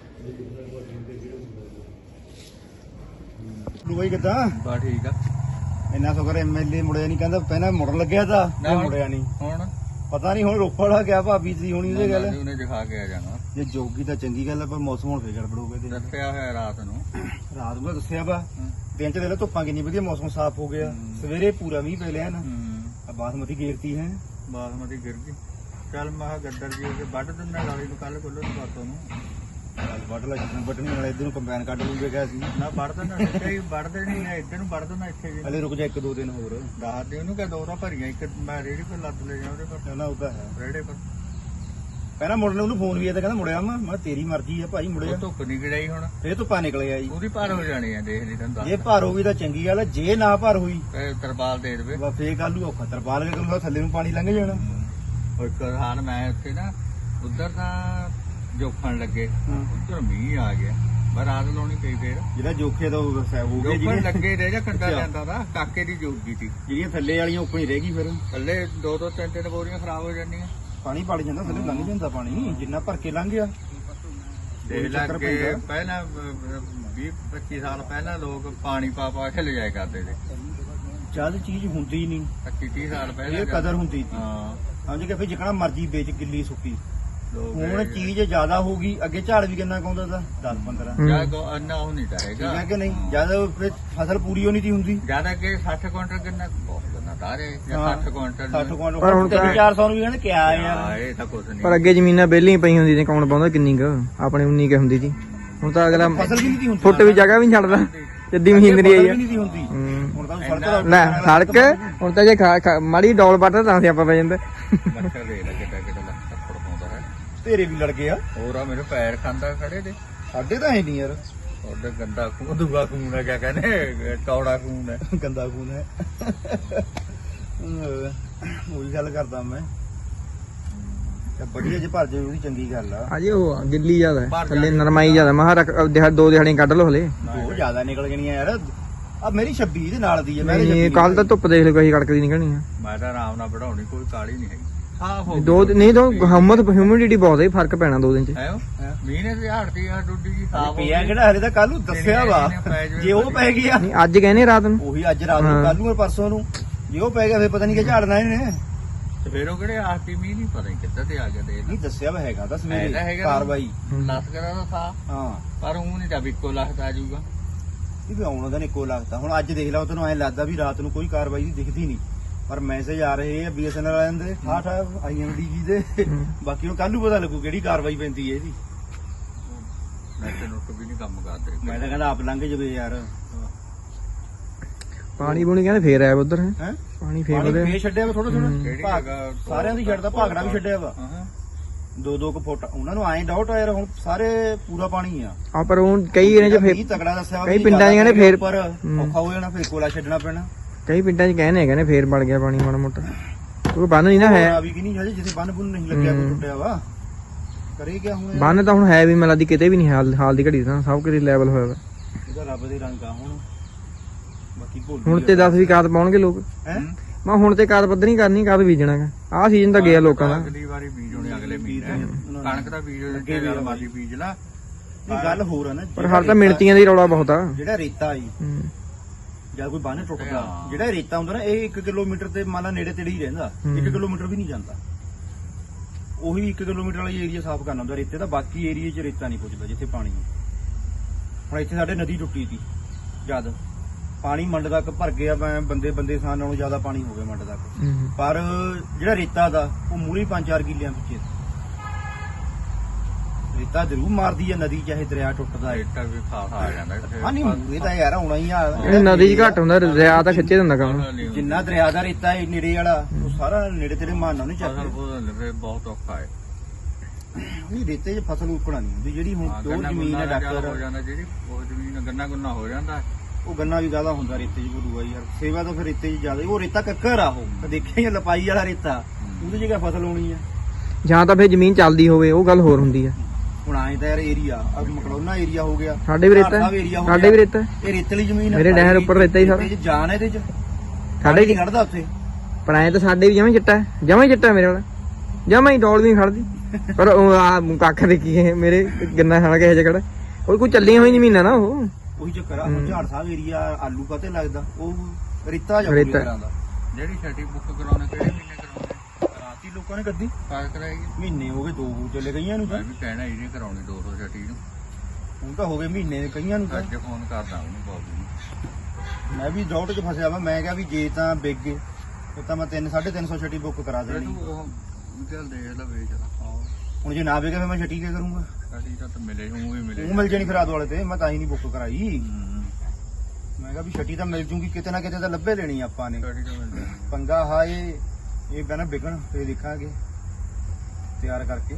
A: ਬਾਈ ਕਿੱਦਾਂ?
C: ਬਾ ਠੀਕ ਆ।
A: ਇੰਨਾ ਸ਼ੁਕਰ ਐਮਐਲਏ ਮੁੜਿਆ ਨਹੀਂ, ਕਹਿੰਦਾ ਪਹਿਲਾਂ ਮੁੜਨ ਲੱਗਿਆ ਤਾਂ
C: ਨਾ ਹੁਣ-
A: ਮੁੜਿਆ ਨਹੀਂ।
C: ਹੁਣ
A: ਪਤਾ ਨਹੀਂ ਹੁਣ ਰੋਪੜ ਆ ਗਿਆ ਭਾਬੀ ਦੀ ਹੋਣੀ ਉਹਦੇ ਗੱਲ।
C: ਉਹਨੇ ਦਿਖਾ ਕੇ ਆ ਜਾਣਾ।
A: ਜੇ ਜੋਗੀ ਤਾਂ ਚੰਗੀ ਗੱਲ ਆ, ਪਰ ਮੌਸਮ ਹੁਣ ਫੇਰ ਗੜਬੜੋਗੇ ਤੇ
C: ਦੱਸਿਆ ਹੋਇਆ ਰਾਤ ਨੂੰ।
A: ਰਾਤ ਨੂੰ ਦੱਸਿਆ ਵਾ ਦਿਨ ਚ ਦੇਖ ਲਓ ਧੁੱਪਾਂ ਕਿੰਨੀ ਵਧੀਆ, ਮੌਸਮ ਸਾਫ਼ ਹੋ ਗਿਆ। ਸਵੇਰੇ ਪੂਰਾ ਮੀਂਹ ਪੈ ਲਿਆ ਨਾ।
C: ਹੂੰ
A: ਆ ਬਾਸਮਤੀ ਗੇਰਤੀ ਹੈ।
C: ਬਾਸਮਤੀ ਗਿਰ ਗਈ। ਚੱਲ ਮੈਂ ਕਿਹਾ ਗੱਦਰ ਜੀ ਕੇ ਵੱਢ ਦਿੰਦਾ ਲਾਲੀ ਨੂੰ ਕੱਲ ਕੋਲੋਂ ਬਾਤੋਂ ਨੂੰ।
A: ਅੱਜ ਵੱਢ ਲਾ ਜਿੱਦਣ ਵੱਢਣੀ ਵਾਲਾ ਇੱਧਰ ਨੂੰ ਕੰਬਾਈਨ ਕੱਢ ਲੂਗੇ ਕਿਹਾ ਸੀ।
C: ਨਾ ਵੱਢ ਦਿੰਦਾ ਇੱਥੇ ਹੀ ਵੱਢ ਦੇਣੀ ਹੈ, ਇੱਧਰ ਨੂੰ ਵੱਢ ਦਿੰਦਾ ਇੱਥੇ ਜੀ।
A: ਹਲੇ ਰੁਕ ਜਾ ਇੱਕ ਦੋ ਦਿਨ ਹੋਰ।
C: ਦੱਸ ਦੇ ਉਹਨੂੰ ਕਿ ਦੋ ਤਾਂ ਭਰੀਆਂ, ਇੱਕ ਮੈਂ ਰੇੜੀ ਤੇ ਲੱਦ ਲੈ ਜਾ ਉਹਦੇ ਪਰ
A: ਕਹਿੰਦਾ ਉਹ ਤਾਂ ਹੈ।
C: ਰੇੜੇ ਪਰ।
A: ਪਹਿਲਾਂ ਮੁੜਨੇ ਉਹਨੂੰ ਫੋਨ ਵੀ ਆਇਆ ਤਾਂ ਕਹਿੰਦਾ ਮੁੜਿਆ ਮੈਂ ਮੈਂ ਕਿਹਾ ਤੇਰੀ ਮਰਜ਼ੀ ਆ ਭਾਈ ਮੁੜਿਆ।
C: ਉਹ ਧੁੱਪ ਨਹੀਂ ਗੜਾਈ ਹੁਣ।
A: ਫੇਰ ਧੁੱਪਾਂ ਨਿਕਲਿਆ ਜੀ।
C: ਉਹਦੀ ਪਾਰ ਹੋ ਜਾਣੀ ਆ, ਦੇਖ ਲਈ ਤੈਨੂੰ
A: ਜੇ
C: ਦੱਸ।
A: ਭਰ ਹੋਈ ਤਾਂ ਚੰਗੀ ਗੱਲ ਆ, ਜੇ ਨਾ ਭਰ ਹੋਈ
C: ਇਹ ਤਰਪਾਲ ਦੇ ਦੇਵੇ।
A: ਬਸ ਫੇਰ ਕੱਲ ਨੂੰ ਔਖਾ। ਤਰਪਾਲ ਕੇ ਕਰੂੰਗਾ ਥੱਲੇ ਨੂੰ ਪਾਣੀ ਲੰਘ ਜਾਣਾ।
C: ਉਹ ਇੱਕ ਹਾਲ ਮੈਂ ਉੱਥੇ ਨਾ ਉਧਰ ਤਾਂ ਜੋਖਣ ਲੱਗੇ,
A: ਹਾਂ।
C: ਉਧਰ ਮੀਂਹ ਆ ਗਿਆ। ਮੈਂ ਰਾਤ ਲਾਉਣੀ ਪਈ ਫੇਰ।
A: ਜਿਹੜਾ ਜੋਖੇ ਦਾ ਉਹ ਸਹਿਬ ਹੋ ਗਿਆ
C: ਜੋਖਣ
A: ਜਿਹਨੇ
C: ਲੱਗੇ ਰਹਿ ਜਾ ਕੰਡਾ
A: ਅੱਛਾ।
C: ਜਾਂਦਾ ਦਾ ਕਾਕੇ ਦੀ ਜੋਗੀ ਸੀ।
A: ਜਿਹੜੀਆਂ ਥੱਲੇ ਵਾਲੀਆਂ ਉੱਪਰ ਹੀ ਰਹਿ ਗਈ ਫਿਰ
C: ਥੱਲੇ ਦੋ ਦੋ ਤਿੰਨ ਤਿੰਨ ਬੋਰੀਆਂ ਖਰਾਬ ਹੋ ਜਾਂਦੀਆਂ।
A: ਪਾਣੀ ਪੜ ਜਾਂਦਾ ਥੱਲੇ ਲੰਘ ਜਾਂਦਾ ਪਾਣੀ ਜਿੰਨਾ ਭਰ ਕੇ ਲੰਘ ਗਿਆ।
C: ਦੇਖ
A: ਚੱਕਰ
C: ਲੱਗੇ
A: ਪੈਂਦਾ।
C: ਪਹਿਲਾਂ ਵੀਹ ਪੱਚੀ ਸਾਲ ਪਹਿਲਾਂ ਲੋਕ ਪਾਣੀ ਪਾ ਪਾ ਕੇ ਲਿਜਾਇਆ ਕਰਦੇ ਸੀ।
A: ਜਦ ਚੀਜ਼ ਹੁੰਦੀ ਨਹੀਂ
C: ਪੱਚੀ ਤੀਹ ਸਾਲ ਪਹਿਲਾਂ
A: ਇਹ ਕਦਰ ਹੁੰਦੀ ਸੀ।
C: ਹਾਂ
A: ਸਮਝ ਕੇ ਫਿਰ ਜਿਕਣਾ ਮਰਜ਼ੀ ਵੇਚ ਗਿੱਲੀ ਸੁੱਕੀ
C: ਲੋਕ
A: ਹੁਣ ਚੀਜ਼ ਜ਼ਿਆਦਾ ਹੋਊਗੀ ਅੱਗੇ ਝਾੜ ਵੀ ਕਿੰਨਾ ਕਾਉਂਦਾ ਤਾਂ ਦਸ ਪੰਦਰਾਂ
C: ਜਾਂ ਕੋ ਅੰਨਾ ਉਹ ਨਹੀਂ
A: ਠੀਕ
C: ਰਹੇਗਾ
A: ਹੈ ਕਿ ਨਹੀਂ ਜਦ ਫਿਰ ਫਸਲ ਪੂਰੀ ਹੋਣੀ ਤੀ ਹੁੰਦੀ
C: ਜਿਆਦਾ ਕਿ ਸੱਠ ਕੁਇੰਟਲ ਕਿੰਨਾ ਬਹੁਤ ਗੰਨਾ ਤਾਰੇ ਜਾਂ
A: ਹਾਂ।
C: ਸੱਠ ਕੁਇੰਟਲ
A: ਸੱਠ ਕੁਆਂਟਲ
D: ਪਰ ਹੁਣ ਤਾਂ-
A: ਚਾਰ ਸੌ ਨੂੰ ਵੀ ਕਹਿੰਦੇ ਕਿਆ
C: ਹਾਂ,
A: ਯਾਰ
C: ਇਹ ਤਾਂ ਕੁਝ ਨਹੀਂ
D: ਪਰ ਅੱਗੇ ਜ਼ਮੀਨਾਂ ਵਿਹਲੀਆਂ ਪਈਆਂ ਹੁੰਦੀਆਂ ਨੇ ਕੌਣ ਪਾਉਂਦਾ ਕਿੰਨੀ ਕੁ ਆਪਣੇ ਉਨੀ ਕੁ ਹੁੰਦੀ ਸੀ ਹੁਣ ਤਾਂ ਅਗਲਾ
A: ਫਸਲ ਵੀ ਨਹੀਂ ਤੀ ਹੁੰਦੀ
D: ਫੁੱਟ ਵੀ ਜਗ੍ਹਾ ਵੀ ਨਹੀਂ ਛੱਡਦਾ ਜੱਦੀ ਮਸ਼ੀਨਰੀ ਆਈ
A: ਫਸਲ
D: ਆ
A: ਵੀ ਨਹੀਂ ਤੀ ਹੁੰਦੀ
D: ਹੂੰ।
A: ਹੁਣ ਤਾਂ ਸੜਕ
D: ਲੈ ਸੜਕ ਹੁਣ ਤਾਂ ਜੇ ਖਾ- ਖਾ- ਮਾੜੀ ਡੋਲ ਵੱਟ ਤਾਂ ਅਸੀਂ ਆਪਾਂ ਪੈ ਜਾਂਦੇ
C: ਮੱਛਰ ਦੇ ਲੈ ਕਿੱਡਾ ਕਿੱਡਾ ਲੱਖ ਥੱਪੜ ਪਾਉਂਦਾ ਹੈ
A: ਤੇਰੇ ਵੀ ਲੜ ਗਏ ਆ
C: ਹੋਰ ਆ ਮੇਰੇ ਪੈਰ ਖਾਂਦਾ ਖੜੇ ਦੇ
A: ਸਾਡੇ ਤਾਂ ਹੈ ਨਹੀਂ ਯਾਰ
C: ਉਹਦੇ ਗੰਦਾ ਖੂਨ ਦੂਆ ਖੂਨ ਹੈ ਕਿਆ ਕਹਿੰਦੇ ਕੌੜਾ ਖੂਨ ਹੈ
A: ਗੰਦਾ ਖੂਨ ਹੈ ਉਹੀ ਗੱਲ ਕਰਦਾ ਮੈਂ ਤੇ ਵਧੀਆ ਜੇ ਭਰ ਜੇ ਉਹਦੀ ਚੰਗੀ ਗੱਲ ਆ
D: ਅਜੇ ਉਹ ਆ, ਗਿੱਲੀ ਜ਼ਿਆਦਾ ਹੈ, ਥੱਲੇ ਨਰਮਾਈ ਜ਼ਿਆਦਾ ਮਹਾ ਰੱਖ ਦਿਹਾ ਦੋ ਦਿਹਾੜੀਆਂ ਕੱਢ ਲਓ ਹਲੇ
A: ਉਹ ਜ਼ਿਆਦਾ ਨਿਕਲ ਗਈਆਂ ਯਾਰ ਆ ਮੇਰੀ ਛੱਬੀ ਦੇ ਨਾਲ ਦੀ ਹੈ ਮੈਂ
D: ਨਹੀਂ ਕੱਲ ਤਾਂ ਧੁੱਪ ਦੇਖ ਲਓ ਕਹੀ ਕੜਕਦੀ ਨਿਕਲਣੀ ਆ
C: ਮੈਂ ਤਾਂ ਆਰਾਮ ਨਾਲ ਵਧਾਉਣੀ ਕੋਈ ਕਾਲੀ ਨਹੀਂ ਹੈਗੀ ਸਾਫ ਹੋ
D: ਦੋ ਦਿਨ- ਨਹੀਂ ਦੋ ਹਮਤ ਹਿਊਮਿਡਿਟੀ ਬਹੁਤ ਹੈ ਫਰਕ ਪੈਣਾ ਦੋ ਦਿਨ ਚ
C: ਹੈ ਮੀਂਹ ਨੇ ਤੇ ਝਾੜਦੀ ਆ ਡੁੱਡੀ ਜੀ ਸਾਫ ਹੋ
A: ਪਿਆ
C: ਗਈ
A: ਕਿਹੜਾ ਹਲੇ ਤਾਂ ਕੱਲ ਨੂੰ ਦੱਸਿਆ ਵਾ ਜੇ ਉਹ ਪੈ ਗਿਆ
D: ਨਹੀਂ ਅੱਜ ਕਹਿੰਦੇ ਰਾਤ ਨੂੰ
A: ਉਹੀ ਅੱਜ ਰਾਤ ਨੂੰ ਕੱਲ ਨੂੰ ਔਰ ਪਰਸੋਂ ਨੂੰ ਜੇ ਉਹ ਪੈ ਗਿਆ ਫਿਰ ਪਤਾ ਨਹੀਂ ਕਿ ਝਾੜਨਾ ਇਹਨੇ
C: ਤੇ ਫਿਰ ਉਹ ਕਿਹੜੇ ਆਖੀ ਮੀਂਹ ਨਹੀਂ ਪਤਾ ਨੀ ਕਿੱਦਾਂ ਤੇ ਆ ਗਿਆ ਦੇ
A: ਨਹੀਂ ਦੱਸਿਆ ਵਾ ਹੈਗਾ ਤਾਂ
C: ਹੈਗਾ
A: ਸਵੇਰੇ
C: ਹੈਗਾ।
A: ਕਾਰਵਾਈ
C: ਲੱਤ ਕਰਾ ਦਾ ਥਾ
A: ਹਾਂ
C: ਪਰ ਉਹ ਨਹੀਂ ਤਾਂ ਇੱਕੋ ਲੱਖ ਆ ਜਾਊਗਾ
A: ਇਹ ਵੀ ਆਉਣ ਦਾ ਇੱਕੋ ਲੱਗਦਾ ਹੁਣ ਅੱਜ ਦੇਖ ਲਾ ਤੈਨੂੰ ਐਂ ਲੱਗਦਾ ਵੀ ਰਾਤ ਨੂੰ ਕੋਈ ਕਾਰਵਾਈ ਦੀ ਦਿਖਦੀ ਨਹੀਂ ਪਰ ਮੈਸੇਜ ਆ ਰਹੇ ਆ ਬੀਐਸਐਨਐਲ ਵਾਲਿਆਂ ਦੇ ਠਾਠ ਆਈਐਮਡੀ ਜੀ ਦੇ ਬਾਕੀ ਨੂੰ ਕੱਲ ਨੂੰ ਪਤਾ ਲੱਗੂ ਕਿਹੜੀ ਕਾਰਵਾਈ ਪੈਂਦੀ ਹੈ ਇਹਦੀ
C: ਨੈਟ ਨੁੱਟ ਵੀ ਨਹੀਂ ਕੰਮ ਕਰਦੇ
A: ਮੈਂ ਤਾਂ ਕਹਿੰਦਾ ਆਪ ਲੰਘ ਜਵੇ ਯਾਰ
D: ਪਾਣੀ ਪੂਣੀ ਕਹਿੰਦੇ ਫੇਰ ਆਇਆ ਉਧਰ
A: ਹੈ
D: ਪਾਣੀ ਫੇਰ
A: ਪਾਣੀ
D: ਵਧਿਆ
A: ਫੇਰ ਛੱਡਿਆ ਵਾ ਥੋੜਾ ਥੋੜਾ
C: ਕਿਹੜੀ
A: ਭਾਗ
C: ਜਗ੍ਹਾ
A: ਸਾਰਿਆਂ ਦੀ ਛੱਡਦਾ ਭਾਗੜਾ ਵੀ ਛੱਡਿਆ ਵਾ
C: ਹਾਂ
A: ਦੋ ਦੋ ਕੁ ਫੁੱਟ ਉਹਨਾਂ ਨੂੰ ਐਂ ਡਾਊਟ ਆ ਯਾਰ ਹੁਣ ਸਾਰੇ ਪੂਰਾ ਪਾਣੀ ਆ
D: ਆ ਪਰ ਉਹ ਕਈ ਇਹਨੇ ਚ ਫੇਰ
A: ਮੀਂਹ ਤਕੜਾ ਦੱਸਿਆ ਵਾ
D: ਕਈ
A: ਵੀ
D: ਪਿੰਡਾਂ 'ਚ
A: ਜ਼ਿਆਦਾ
D: ਕਹਿੰਦੇ ਫੇਰ-
A: ਉੱਪਰ
D: ਹੂੰ।
A: ਔਖਾ ਹੋ ਜਾਣਾ ਫੇਰ ਕੋਲਾ ਛੱਡਣਾ ਪੈਣਾ
D: ਕਈ ਪਿੰਡਾਂ 'ਚ ਕਹਿੰਦੇ ਕਹਿੰਦੇ ਫੇਰ ਵੜ ਗਿਆ ਪਾਣੀ ਮਾੜਾ ਮੋਟਾ ਉਹ ਬੰਨ ਨਹੀਂ ਨਾ
A: ਆ
D: ਹੈ
A: ਵੀ ਕਿ ਨਹੀਂ ਹਜੇ ਜਿੱਥੇ ਬੰਨ ਬੁੰਨ ਨਹੀਂ ਲੱਗਿਆ ਕੋਈ
D: ਹੂੰ।
A: ਟੁੱਟਿਆ ਵਾ ਕਰੇ ਕਿਆ ਹੁਣ
D: ਬੰਨ ਤਾਂ ਹੁਣ ਹੈ ਵੀ ਮੈਨੂੰ ਲੱਗਦੀ ਕਿਤੇ ਵੀ ਨਹੀਂ ਹਾਲ ਹਾਲ ਦੀ ਘੜੀ ਤਾਂ ਸਭ ਕਿਤੇ ਲੈਵਲ ਹੋਇਆ ਵਾ
A: ਇਹਦਾ ਰੱਬ ਦੇ ਰੰਗ ਆ ਹੁਣ ਬਾਕੀ ਭੁੱਲ
D: ਹੁਣ ਤੇ ਦਸ ਵੀ ਕਾਦ ਪਾਉਣਗੇ ਲੋਕ
A: ਹੈ
D: ਮੈਂ ਹੁਣ ਤੇ ਕਾਦ ਪੱਧਰ ਨਹੀਂ ਕਰਨੀ ਕਾਦ ਬੀਜਣਾਗਾ ਆਹ ਸੀਜ਼ਨ ਤਾਂ ਗਿਆ ਲੋਕਾਂ ਦਾ
C: ਅਗਲੀ ਵਾਰੀ ਬੀਜ ਹੋਣੇ ਅਗਲੇ ਮਹੀਨੇ ਕਣਕ ਦਾ ਬੀਜ
A: ਅੱਗੇ ਵੀ
C: ਲੱਗੇ ਮਾਲੀ ਬੀਜ ਲਾ
A: ਇਹ ਗੱਲ ਹੋਰ ਆ ਨਾ
D: ਪਰ ਹਾਲ ਤਾਂ ਮਿਣਤੀਆਂ ਦੀ ਰੌਲਾ ਬਹੁਤ ਆ
A: ਜਿਹੜਾ ਰੇਤਾ ਆਈ
D: ਹੂੰ।
A: ਜਾਂ ਕੋਈ ਬੰਨ ਟੁੱਟਦਾ
C: ਹਾਂ।
A: ਜਿਹੜਾ ਰੇਤਾ ਹੁੰਦਾ ਨਾ ਇਹ ਇੱਕ ਕਿਲੋਮੀਟਰ ਤੇ ਮੰਨ ਲਾ ਨੇੜੇ ਤੇੜੇ ਹੀ ਰਹਿੰਦਾ
D: ਹੂੰ।
A: ਇੱਕ ਕਿਲੋਮੀਟਰ ਵੀ ਨਹੀਂ ਜਾਂਦਾ ਉਹੀ ਇੱਕ ਕਿਲੋਮੀਟਰ ਵਾਲੀ ਏਰੀਆ ਸਾਫ਼ ਕਰਨਾ ਹੁੰਦਾ ਰੇਤੇ ਦਾ ਬਾਕੀ ਏਰੀਏ 'ਚ ਰੇਤਾ ਨਹੀਂ ਪੁੱਜਦਾ ਜਿੱਥੇ ਪਾਣੀ ਹੈ ਹੁਣ ਇੱਥੇ ਸਾਡੇ ਨਦੀ ਟੁੱਟੀ ਸੀ ਜਦ ਪਾਣੀ ਮੰਡ ਤੱਕ ਭਰ ਗਿਆ ਮੈਂ ਬੰਦੇ ਬੰਦੇ ਸਾਨ ਨਾਲੋਂ ਜ਼ਿਆਦਾ ਪਾਣੀ ਹੋ ਗਿਆ ਮੰਡ ਤੱਕ
D: ਹੂੰ।
A: ਪਰ ਜਿਹੜਾ ਰੇਤਾ ਦਾ ਉਹ ਮੂਹਰੇ ਪੰਜ ਚਾਰ ਕਿੱਲਿਆਂ ਪਿੱਛੇ ਰੇਤਾ ਜ਼ਰੂਰ ਮਾਰਦੀ ਹੈ ਨਦੀ ਚਾਹੇ ਦਰਿਆ ਟੁੱਟਦਾ ਹੈ
C: ਰੇਟਾ ਵੀ ਖਾਸ ਆ ਜਾਂਦਾ ਇੱਥੇ।
A: ਹਾਂ ਨਹੀਂ ਮੂਹਰੇ ਤਾਂ ਯਾਰ ਆਉਣਾ ਹੀ ਆ
D: ਇਹ ਨਦੀ 'ਚ ਘੱਟ ਹੁੰਦਾ ਦਰਿਆ ਤਾਂ ਖਿੱਚੇ ਦਿੰਦਾ ਕੰਮ
A: ਜਿੰਨਾ ਦਰਿਆ ਦਾ ਰੇਤਾ ਹੈ ਨੇੜੇ ਵਾਲਾ ਉਹ ਸਾਰਾ ਨੇੜੇ ਤੇੜੇ ਮਾਰਨਾ ਨਹੀਂ
C: ਫਸਲ
A: ਚਾਹੀਦਾ
C: ਫੁਸਲ ਫਿਰ ਬਹੁਤ ਔਖਾ ਹੈ
A: ਨਹੀਂ ਰੇਤੇ 'ਚ ਫਸਲ ਉੱਕਣਾ ਨਹੀਂ ਹੁੰਦੀ ਜਿਹੜੀ ਹੁਣ
C: ਹਾਂ,
A: ਜੋ
C: ਗੰਨਾ
A: ਜ਼ਮੀਨ ਹੈ
C: ਗੁੰਨਾ ਜ਼ਿਆਦਾ ਹੋ
A: ਡਾਕਟਰ
C: ਜਾਂਦਾ ਜਿਹੜੀ ਉਹ ਜ਼ਮੀਨ ਗੰਨਾ ਗੁੰਨਾ ਹੋ ਜਾਂਦਾ
A: ਉਹ ਗੰਨਾ ਵੀ ਜ਼ਿਆਦਾ ਹੁੰਦਾ ਰੇਤੇ 'ਚ ਗੁਰੂਆ ਯਾਰ ਸੇਵਾ ਤਾਂ ਫਿਰ ਰੇਤੇ 'ਚ ਜ਼ਿਆਦਾ ਉਹ ਰੇਤਾ ਕੱਕਰ ਆ ਉਹ ਤਾਂ ਦੇਖਿਆ ਹੀ ਆ, ਲਪਾਈ ਵਾਲਾ ਰੇਤਾ ਉਹਦੇ 'ਚ ਕਿਆ ਫਸਲ ਹੋਣੀ ਆ
D: ਜਾਂ ਤਾਂ ਫਿਰ ਜ਼ਮੀਨ ਚੱਲਦੀ ਹੋਵੇ ਉਹ ਗੱਲ ਹੋਰ ਹੁੰਦੀ ਆ
A: ਹੁਣ ਆਏ ਤਾਂ ਯਾਰ ਏਰੀਆ ਆ ਮਕੜੋਨਾ ਏਰੀਆ ਹੋ ਗਿਆ
D: ਸਾਡੇ ਵੀ ਰੇਤਾ
A: ਭਾਰਤ
D: ਹੈ,
A: ਸਾਹਿਬ area ਹੋ
D: ਸਾਡੇ
A: ਗਿਆ।
D: ਵੀ ਰੇਤਾ ਹੈ।
A: ਇਹ ਰੇਤਲੀ ਜ਼ਮੀਨ ਹੈ
D: ਮੇਰੇ ਡੈਹਰ ਉੱਪਰ ਰੇਤਾ ਹੀ ਸਾਰਾ।
A: ਰੇਤੇ 'ਚ ਜਾਨ ਹੈ ਇਹਦੇ 'ਚ
D: ਸਾਡੇ
A: ਨਹੀਂ ਖੜਦਾ ਉੱਥੇ
D: ਪਰ ਐ ਤਾਂ ਸਾਡੇ ਵੀ ਜਮਾਂ ਹੀ ਚਿੱਟਾ ਹੈ ਜਮਾਂ ਹੀ ਚਿੱਟਾ ਮੇਰੇ ਵਾਲਾ ਜਮਾਂ ਹੀ ਡੋਲ ਵੀ ਨਹੀਂ ਖੜਦੀ ਪਰ ਉਹ ਆ ਕੱਖ ਦੇਖੀ ਇਹ ਮੇਰੇ ਗੰਨਾ ਖਾਣਾ ਕਿਸੇ ਜਗੜ ਉਹ ਕੋਈ ਚੱਲੀਆਂ ਹੋਈ ਜ਼ਮੀਨਾਂ ਨਾ ਉਹ
A: ਉਹੀ ਚੱਕਰ ਆ ਹੁਣ ਝਾੜ ਸਾਹਿਬ ਏਰੀਆ ਆਲੂ ਕਾਤੇ ਲੱਗਦਾ ਉਹ ਰੇਤਾ ਜਾ ਪੂਰੀ
D: ਰੇਤਾ।
A: ਤਰ੍ਹਾਂ ਦਾ
C: ਜਿਹੜੀ ਛੱਟੀ ਬੁੱਕ ਕਰਾਉਣੇ ਕਿਹੜੇ ਮਹੀਨੇ ਕਰਾਉਣੇ
A: ਰਾਤੀ ਲੋਕਾਂ ਨੇ ਕੱਢੀ
C: ਕਾਜ ਕਰਾਏਗੀ
A: ਮਹੀਨੇ ਹੋ ਗਏ ਦੋ ਚਲੇ ਗਈਆਂ ਨੂੰ ਤਾਂ
C: ਮੈਂ ਵੀ ਕਹਿਣਾ ਇਹਨੇ ਕਰਾਉਣੀ ਦੋ ਸੌ ਛੱਟੀ ਨੂੰ
A: ਹੁਣ ਤਾਂ ਹੋ ਗਏ ਮਹੀਨੇ ਕਈਆਂ ਨੂੰ ਤਾਂ
C: ਅੱਜ ਫੋਨ ਕਰਦਾ ਉਹਨੂੰ ਬਾਬੂ ਨੂੰ
A: ਮੈਂ ਵੀ ਡਾਊਟ 'ਚ ਫਸਿਆ ਵਾ ਮੈਂ ਕਿਹਾ ਵੀ ਜੇ ਤਾਂ ਵਿਕ ਗਏ ਫਿਰ ਤਾਂ ਮੈਂ ਤਿੰਨ ਸਾਢੇ ਤਿੰਨ ਸੌ ਛੱਟੀ ਬੁੱਕ ਕਰਾ
C: ਫਿਰ
A: ਦੇਣੀ
C: ਤੂੰ ਉਹ ਚੱਲ ਦੇਖ ਲੈ ਵੇਚ ਲਾ
A: ਹੁਣ ਜੇ ਨਾ ਵਿਕੇ ਫਿਰ ਮੈਂ ਛੱਟੀ ਕੀ ਕਰੂੰਗਾ
C: ਛੱਟੀ ਤਾਂ ਮਿਲੇ ਉਹ ਵੀ ਮਿਲੇ
A: ਉਹ ਮਿਲ ਜਾਣੀ ਫਿਰ ਆਦ ਵਾਲੇ ਤੇ ਮੈਂ ਤਾਂ ਹੀ ਨਹੀਂ ਬੁੱਕ ਕਰਾਈ
C: ਹੂੰ।
A: ਮੈਂ ਕਿਹਾ ਵੀ ਛੱਟੀ ਤਾਂ ਮਿਲ ਜੂਗੀ ਕਿਤੇ ਨਾ ਕਿਤੇ ਤਾਂ ਲੱਭੇ ਲੈਣੀ ਆਪਾਂ ਨੇ
C: ਛੱਟੀ ਤਾਂ ਮਿਲ ਜਾਣੀ
A: ਪੰਗਾ ਹਾ ਇਹ ਇਹ ਬਣਾ ਵਿਕਣ ਫੇਰ ਦੇਖਾਂਗੇ ਤਿਆਰ ਕਰਕੇ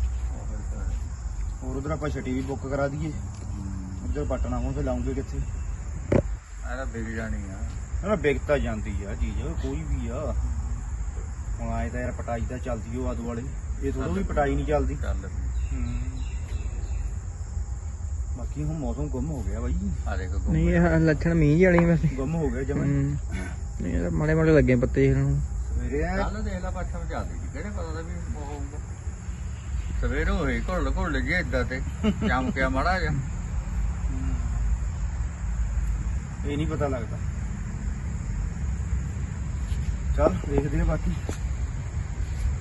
A: ਹੋਰ ਉਧਰ ਆਪਾਂ ਛੱਟੀ ਵੀ ਬੁੱਕ ਕਰਾ ਦਈਏ ਉਧਰ ਪਟਣਾ ਹੁਣ ਫੇਰ ਲਾਉਂਗੇ ਕਿੱਥੇ
C: ਇਹਦਾ ਵਿਕ ਜਾਣੀ ਆ
A: ਨਾ ਵਿਕ ਤਾਂ ਜਾਂਦੀ ਆ ਚੀਜ਼ ਕੋਈ ਵੀ ਆ ਹੁਣ ਆਏ ਤਾਂ ਯਾਰ ਪਟਾਈ ਤਾਂ ਚੱਲਦੀ ਉਹ ਆਦ ਵਾਲੇ ਇਹ ਥੋੜਾ ਵੀ ਪਟਾਈ ਨਹੀਂ ਚੱਲਦੀ
C: ਚੱਲ
A: ਬਾਕੀ ਹੁਣ ਮੌਸਮ ਗੁੰਮ ਹੋ ਗਿਆ ਬਾਈ
C: ਆ ਦੇਖ ਗੁੰਮ
D: ਨਹੀਂ ਇਹ ਲੱਛਣ ਮੀਂਹ ਜਿਹੀ ਵਾਲੀ ਵੈਸੇ
A: ਗੁੰਮ ਹੋ ਗਿਆ ਜਮਾ
D: ਹੂੰ। ਨਹੀਂ ਇਹ ਤਾਂ ਮਾੜੇ ਮਾੜੇ ਲੱਗੇ ਪੱਤੇ ਇਹਨਾਂ ਨੂੰ
A: ਸਵੇਰੇ ਐਂ
C: ਕੱਲ ਦੇਖ ਲੈ ਪੱਛਮ ਚੱਲਦੀ ਸੀ ਕਿਹੜੇ ਪਤਾ ਦਾ ਵੀ ਉਹ ਹੋਊਗਾ ਸਵੇਰੇ ਹੋਈ ਘੁੱਲ ਘੁੱਲ ਜੇ ਏਦਾਂ ਤੇ ਚਮਕਿਆ ਮਾੜਾ ਜਿਹਾ
A: ਇਹ ਨਹੀਂ ਪਤਾ ਲੱਗਦਾ ਚੱਲ ਦੇਖਦੇ ਆ ਬਾਕੀ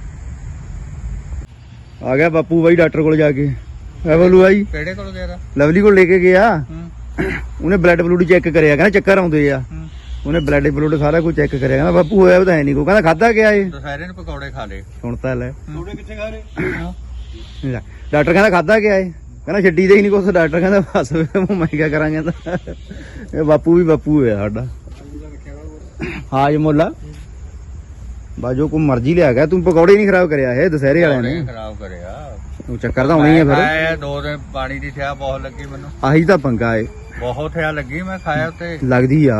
A: ਆ ਗਿਆ ਬਾਪੂ ਬਾਈ ਡਾਕਟਰ ਕੋਲ ਜਾ ਕੇ ਐ ਬੋਲੂ ਬਾਈ
C: ਕਿਹੜੇ ਕੋਲ ਗਿਆ ਤਾ?
A: ਲਵਲੀ ਕੋਲ ਲੈ ਕੇ ਗਿਆ
C: ਹੂੰ
A: ਉਹਨੇ ਬਲੱਡ ਬਲੂਡ ਚੈੱਕ ਕਰਿਆ ਕਹਿੰਦਾ ਚੱਕਰ ਆਉਂਦੇ ਆ
C: ਹੂੰ
A: ਉਹਨੇ ਬਲੱਡ ਬਲੂਡ ਸਾਰਾ ਕੁਝ ਚੈੱਕ ਕਰਿਆ ਕਹਿੰਦਾ ਬਾਪੂ ਹੋਇਆ ਤਾਂ ਹੈ ਨਹੀਂ ਕੋ ਕਹਿੰਦਾ ਖਾਦਾ ਗਿਆ ਏ
C: ਦੁਸਹਿਰੇ ਨੂੰ ਪਕੌੜੇ ਖਾ ਲਏ
A: ਹੁਣ ਤਾਂ ਲੈ
B: ਥੋੜੇ ਕਿੱਥੇ ਖਾ ਰਹੇ
A: ਲੈ, ਡਾਕਟਰ ਕਹਿੰਦਾ ਖਾਦਾ ਗਿਆ ਏ ਕਹਿੰਦਾ ਛੱਡੀ ਦੇ ਹੀ ਨਹੀਂ ਕੁਛ ਡਾਕਟਰ ਕਹਿੰਦਾ ਬਸ ਫਿਰ ਮੈਂ ਕਿਆ ਕਰਾਂਗੇ ਤਾਂ ਇਹ ਬਾਪੂ ਵੀ ਬਾਪੂ ਹੋਇਆ ਸਾਡਾ ਹਾਂ ਜੀ ਮੁੱਲਾ ਬਾਜੋ ਕੋ ਮਰਜ਼ੀ ਲਿਆ ਗਿਆ ਤੂੰ ਪਕੌੜੇ ਨਹੀਂ ਖਰਾਬ ਕਰਿਆ ਇਹ ਦੁਸਹਿਰੇ ਵਾਲਿਆਂ ਨੇ
C: ਖਰਾਬ ਕਰਿਆ
A: ਉਹ ਚੱਕਰ ਤਾਂ ਆਉਣਾ ਹੀ ਆ ਫਿਰ
C: ਖਾਇਆ ਦੋ ਦਿਨ ਪਾਣੀ ਦੀ ਠਿਆ ਬਹੁਤ ਲੱਗੀ ਮੈਨੂੰ
A: ਆਹੀ ਤਾਂ ਪੰਗਾ ਏ
C: ਬਹੁਤ ਠਿਆ ਲੱਗੀ ਮੈਂ ਖਾਇਆ ਉੱਤੇ
A: ਲੱਗਦੀ ਆ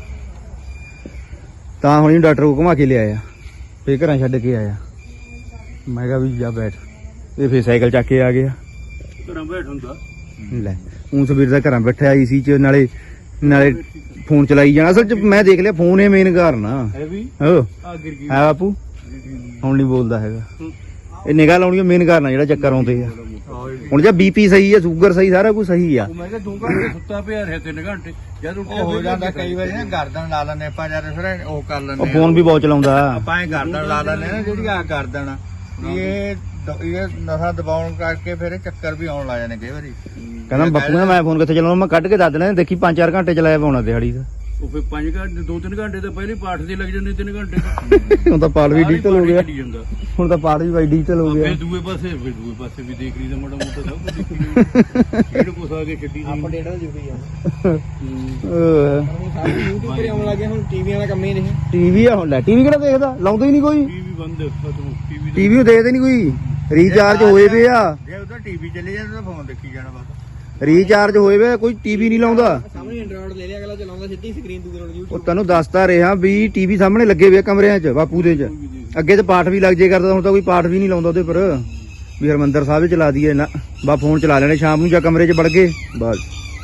A: ਤਾਂ ਹੁਣ ਇਹਨੂੰ ਡਾਕਟਰ ਕੋ ਘੁਮਾ ਕੇ ਲਿਆਇਆ ਫੇਰ ਘਰਾਂ ਛੱਡ ਕੇ ਆਇਆ ਮੈਂ ਕਿਹਾ ਵੀ ਜਾ ਬੈਠ ਇਹ ਫੇਰ ਸਾਈਕਲ ਚੱਕ ਕੇ ਆ ਗਿਆ
B: ਘਰਾਂ ਬੈਠ ਹੁੰਦਾ
A: ਲੈ ਹੁਣ ਸਵੇਰ ਦਾ ਘਰਾਂ ਬੈਠਾ ਆਈ ਸੀ ਚ ਨਾਲੇ ਨਾਲੇ ਫੋਨ ਚਲਾਈ ਜਾਣਾ ਅਸਲ ਚ ਮੈਂ ਦੇਖ ਲਿਆ ਫੋਨ ਹੀ ਮੇਨ ਕਾਰਨ ਆ
B: ਹੈ ਵੀ
A: ਹੋ
B: ਆ ਗਿਰ ਗਈ
A: ਹੈ ਬਾਪੂ ਹੁਣ ਨਹੀਂ ਬੋਲਦਾ ਹੈਗਾ ਇਹ ਨਿਗਾਹ ਲਾਉਣੀ ਮੇਨ ਕਾਰਨ ਆ ਜਿਹੜਾ ਚੱਕਰ ਆਉਂਦੇ ਆ ਹੁਣ ਜੇ ਬੀਪੀ ਸਹੀ ਆ ਸ਼ੂਗਰ ਸਹੀ ਸਾਰਾ ਕੁਝ ਸਹੀ ਆ
B: ਉਹ ਮੈਂ ਕਿਹਾ ਦੋ ਘੰਟੇ ਸੁੱਤਾ ਪਿਆ ਰਿਹਾ ਤਿੰਨ ਘੰਟੇ ਜਦ ਉੱਠਿਆ
C: ਉਹ ਹੋ ਜਾਂਦਾ ਕਈ ਵਾਰੀ ਨਾ ਗਰਦਨ ਲਾ ਲੈਂਦੇ ਆਪਾਂ ਜਦ ਫਿਰ ਉਹ ਕਰ
A: ਉਹ
C: ਲੈਂਦੇ
A: ਫੋਨ ਵੀ ਬਹੁਤ ਚਲਾਉਂਦਾ
C: ਆਪਾਂ ਇਹ ਗਰਦਨ ਲਾ ਲੈਂਦੇ ਨਾ ਜਿਹੜੀ ਆ ਗਰਦਨ ਆ, ਵੀ ਇਹ ਦ- ਇਹ ਨਸਾਂ ਦਬਾਉਣ ਕਰਕੇ ਫਿਰ ਇਹ ਚੱਕਰ ਵੀ ਆਉਣ ਲੱਗ ਜਾਂਦੇ ਕਈ ਵਾਰੀ
A: ਕਹਿੰਦਾ ਬਾਪੂ ਕਹਿੰਦਾ ਮੈਂ ਫੋਨ ਕਿੱਥੇ ਚਲਾਉਣਾ ਮੈਂ ਕੱਢ ਕੇ ਦੱਸ ਦੇਣਾ ਦੇਖੀ ਪੰਜ ਚਾਰ ਘੰਟੇ ਚਲਾਇਆ ਪਾਉਣਾ ਦਿਹਾੜੀ ਦਾ
B: ਉਹ ਫਿਰ ਪੰਜ ਘੰਟੇ ਦੋ ਤਿੰਨ ਘੰਟੇ ਤਾਂ ਪਹਿਲੇ ਪਾਠ ਦੇ ਲੱਗ ਜਾਂਦੇ ਤਿੰਨ ਘੰਟੇ
A: ਹੁਣ ਤਾਂ ਪਾਲ ਵੀ ਡਿਜੀਟਲ ਹੋ ਗਿਆ
B: ਚੱਲੀ ਜਾਂਦਾ
A: ਹੁਣ ਤਾਂ ਪਾਲ ਵੀ ਬਾਈ ਡਿਜੀਟਲ ਹੋ ਗਿਆ
B: ਫਿਰ ਦੂਏ ਪਾਸੇ ਫਿਰ ਦੂਏ ਪਾਸੇ ਵੀ ਦੇਖ ਲਈ ਤਾਂ ਮਾੜਾ ਮੋਟਾ ਸਭ ਕੁਝ ਦੇਖੀ ਲਈ ਇਹਨੂੰ ਕੁਛ ਆ ਕੇ ਛੱਡੀ ਨਹੀਂ
D: ਆਪਾਂ ਡੇਢ ਜੁਗੀ ਆ
A: ਅਹ
D: YouTube ਤੇ ਆਉਣ ਲੱਗੇ ਹੁਣ ਟੀਵੀਆਂ ਦਾ ਕੰਮ ਹੀ ਨਹੀਂ
A: ਟੀਵੀ ਆ ਹੁਣ ਲੈ ਟੀਵੀ ਕਿਹੜਾ ਦੇਖਦਾ ਲਾਉਂਦਾ ਹੀ ਨਹੀਂ ਕੋਈ
B: ਟੀਵੀ ਬੰਦ ਖਤਮ ਟੀਵੀ
A: ਟੀਵੀ ਨੂੰ ਦੇਖਦੇ ਨਹੀਂ ਕੋਈ ਰੀਚਾਰਜ ਹੋਏ ਵੇ ਆ
C: ਜੇ ਉਧਰ ਟੀਵੀ ਚੱਲੇ ਜਾਂਦਾ ਤਾਂ ਫੋਨ ਦੇਖੀ ਜਾਣਾ ਬਸ
A: ਰੀਚਾਰਜ ਹੋਏ ਵੇ ਕੋਈ ਟੀਵੀ ਨਹੀਂ ਲਾਉਂਦਾ
D: ਸਾਹਮਣੇ ਐਂਡਰੋਇਡ ਲੈ ਲਿਆ ਅਗਲਾ ਚਲਾਉਂਦਾ ਸਿੱਧੀ ਸਕਰੀਨ ਦੂਜੇ ਨਾਲ
A: ਉਹ
D: YouTube
A: ਤੈਨੂੰ ਦੱਸਦਾ ਰਿਹਾ ਵੀ ਟੀਵੀ ਸਾਹਮਣੇ ਲੱਗੇ ਵੇ ਆ ਕਮਰਿਆਂ 'ਚ ਬਾਪੂ ਦੇ 'ਚ ਅੱਗੇ ਤੇ ਪਾਠ ਵੀ ਲੱਗ ਜੇ ਕਰਦਾ ਹੁਣ ਤਾਂ ਕੋਈ ਪਾਠ ਵੀ ਨਹੀਂ ਲਾਉਂਦਾ ਉਹਦੇ ਪਰ ਵੀ ਹਰਮੰਦਰ ਸਾਹਿਬ ਹੀ ਚਲਾ ਦਈਏ ਨਾ ਬਾ ਫੋਨ ਚਲਾ ਲੈਣੇ ਸ਼ਾਮ ਨੂੰ ਜਾਂ ਕਮਰੇ 'ਚ ਵੜ ਗਏ ਬਸ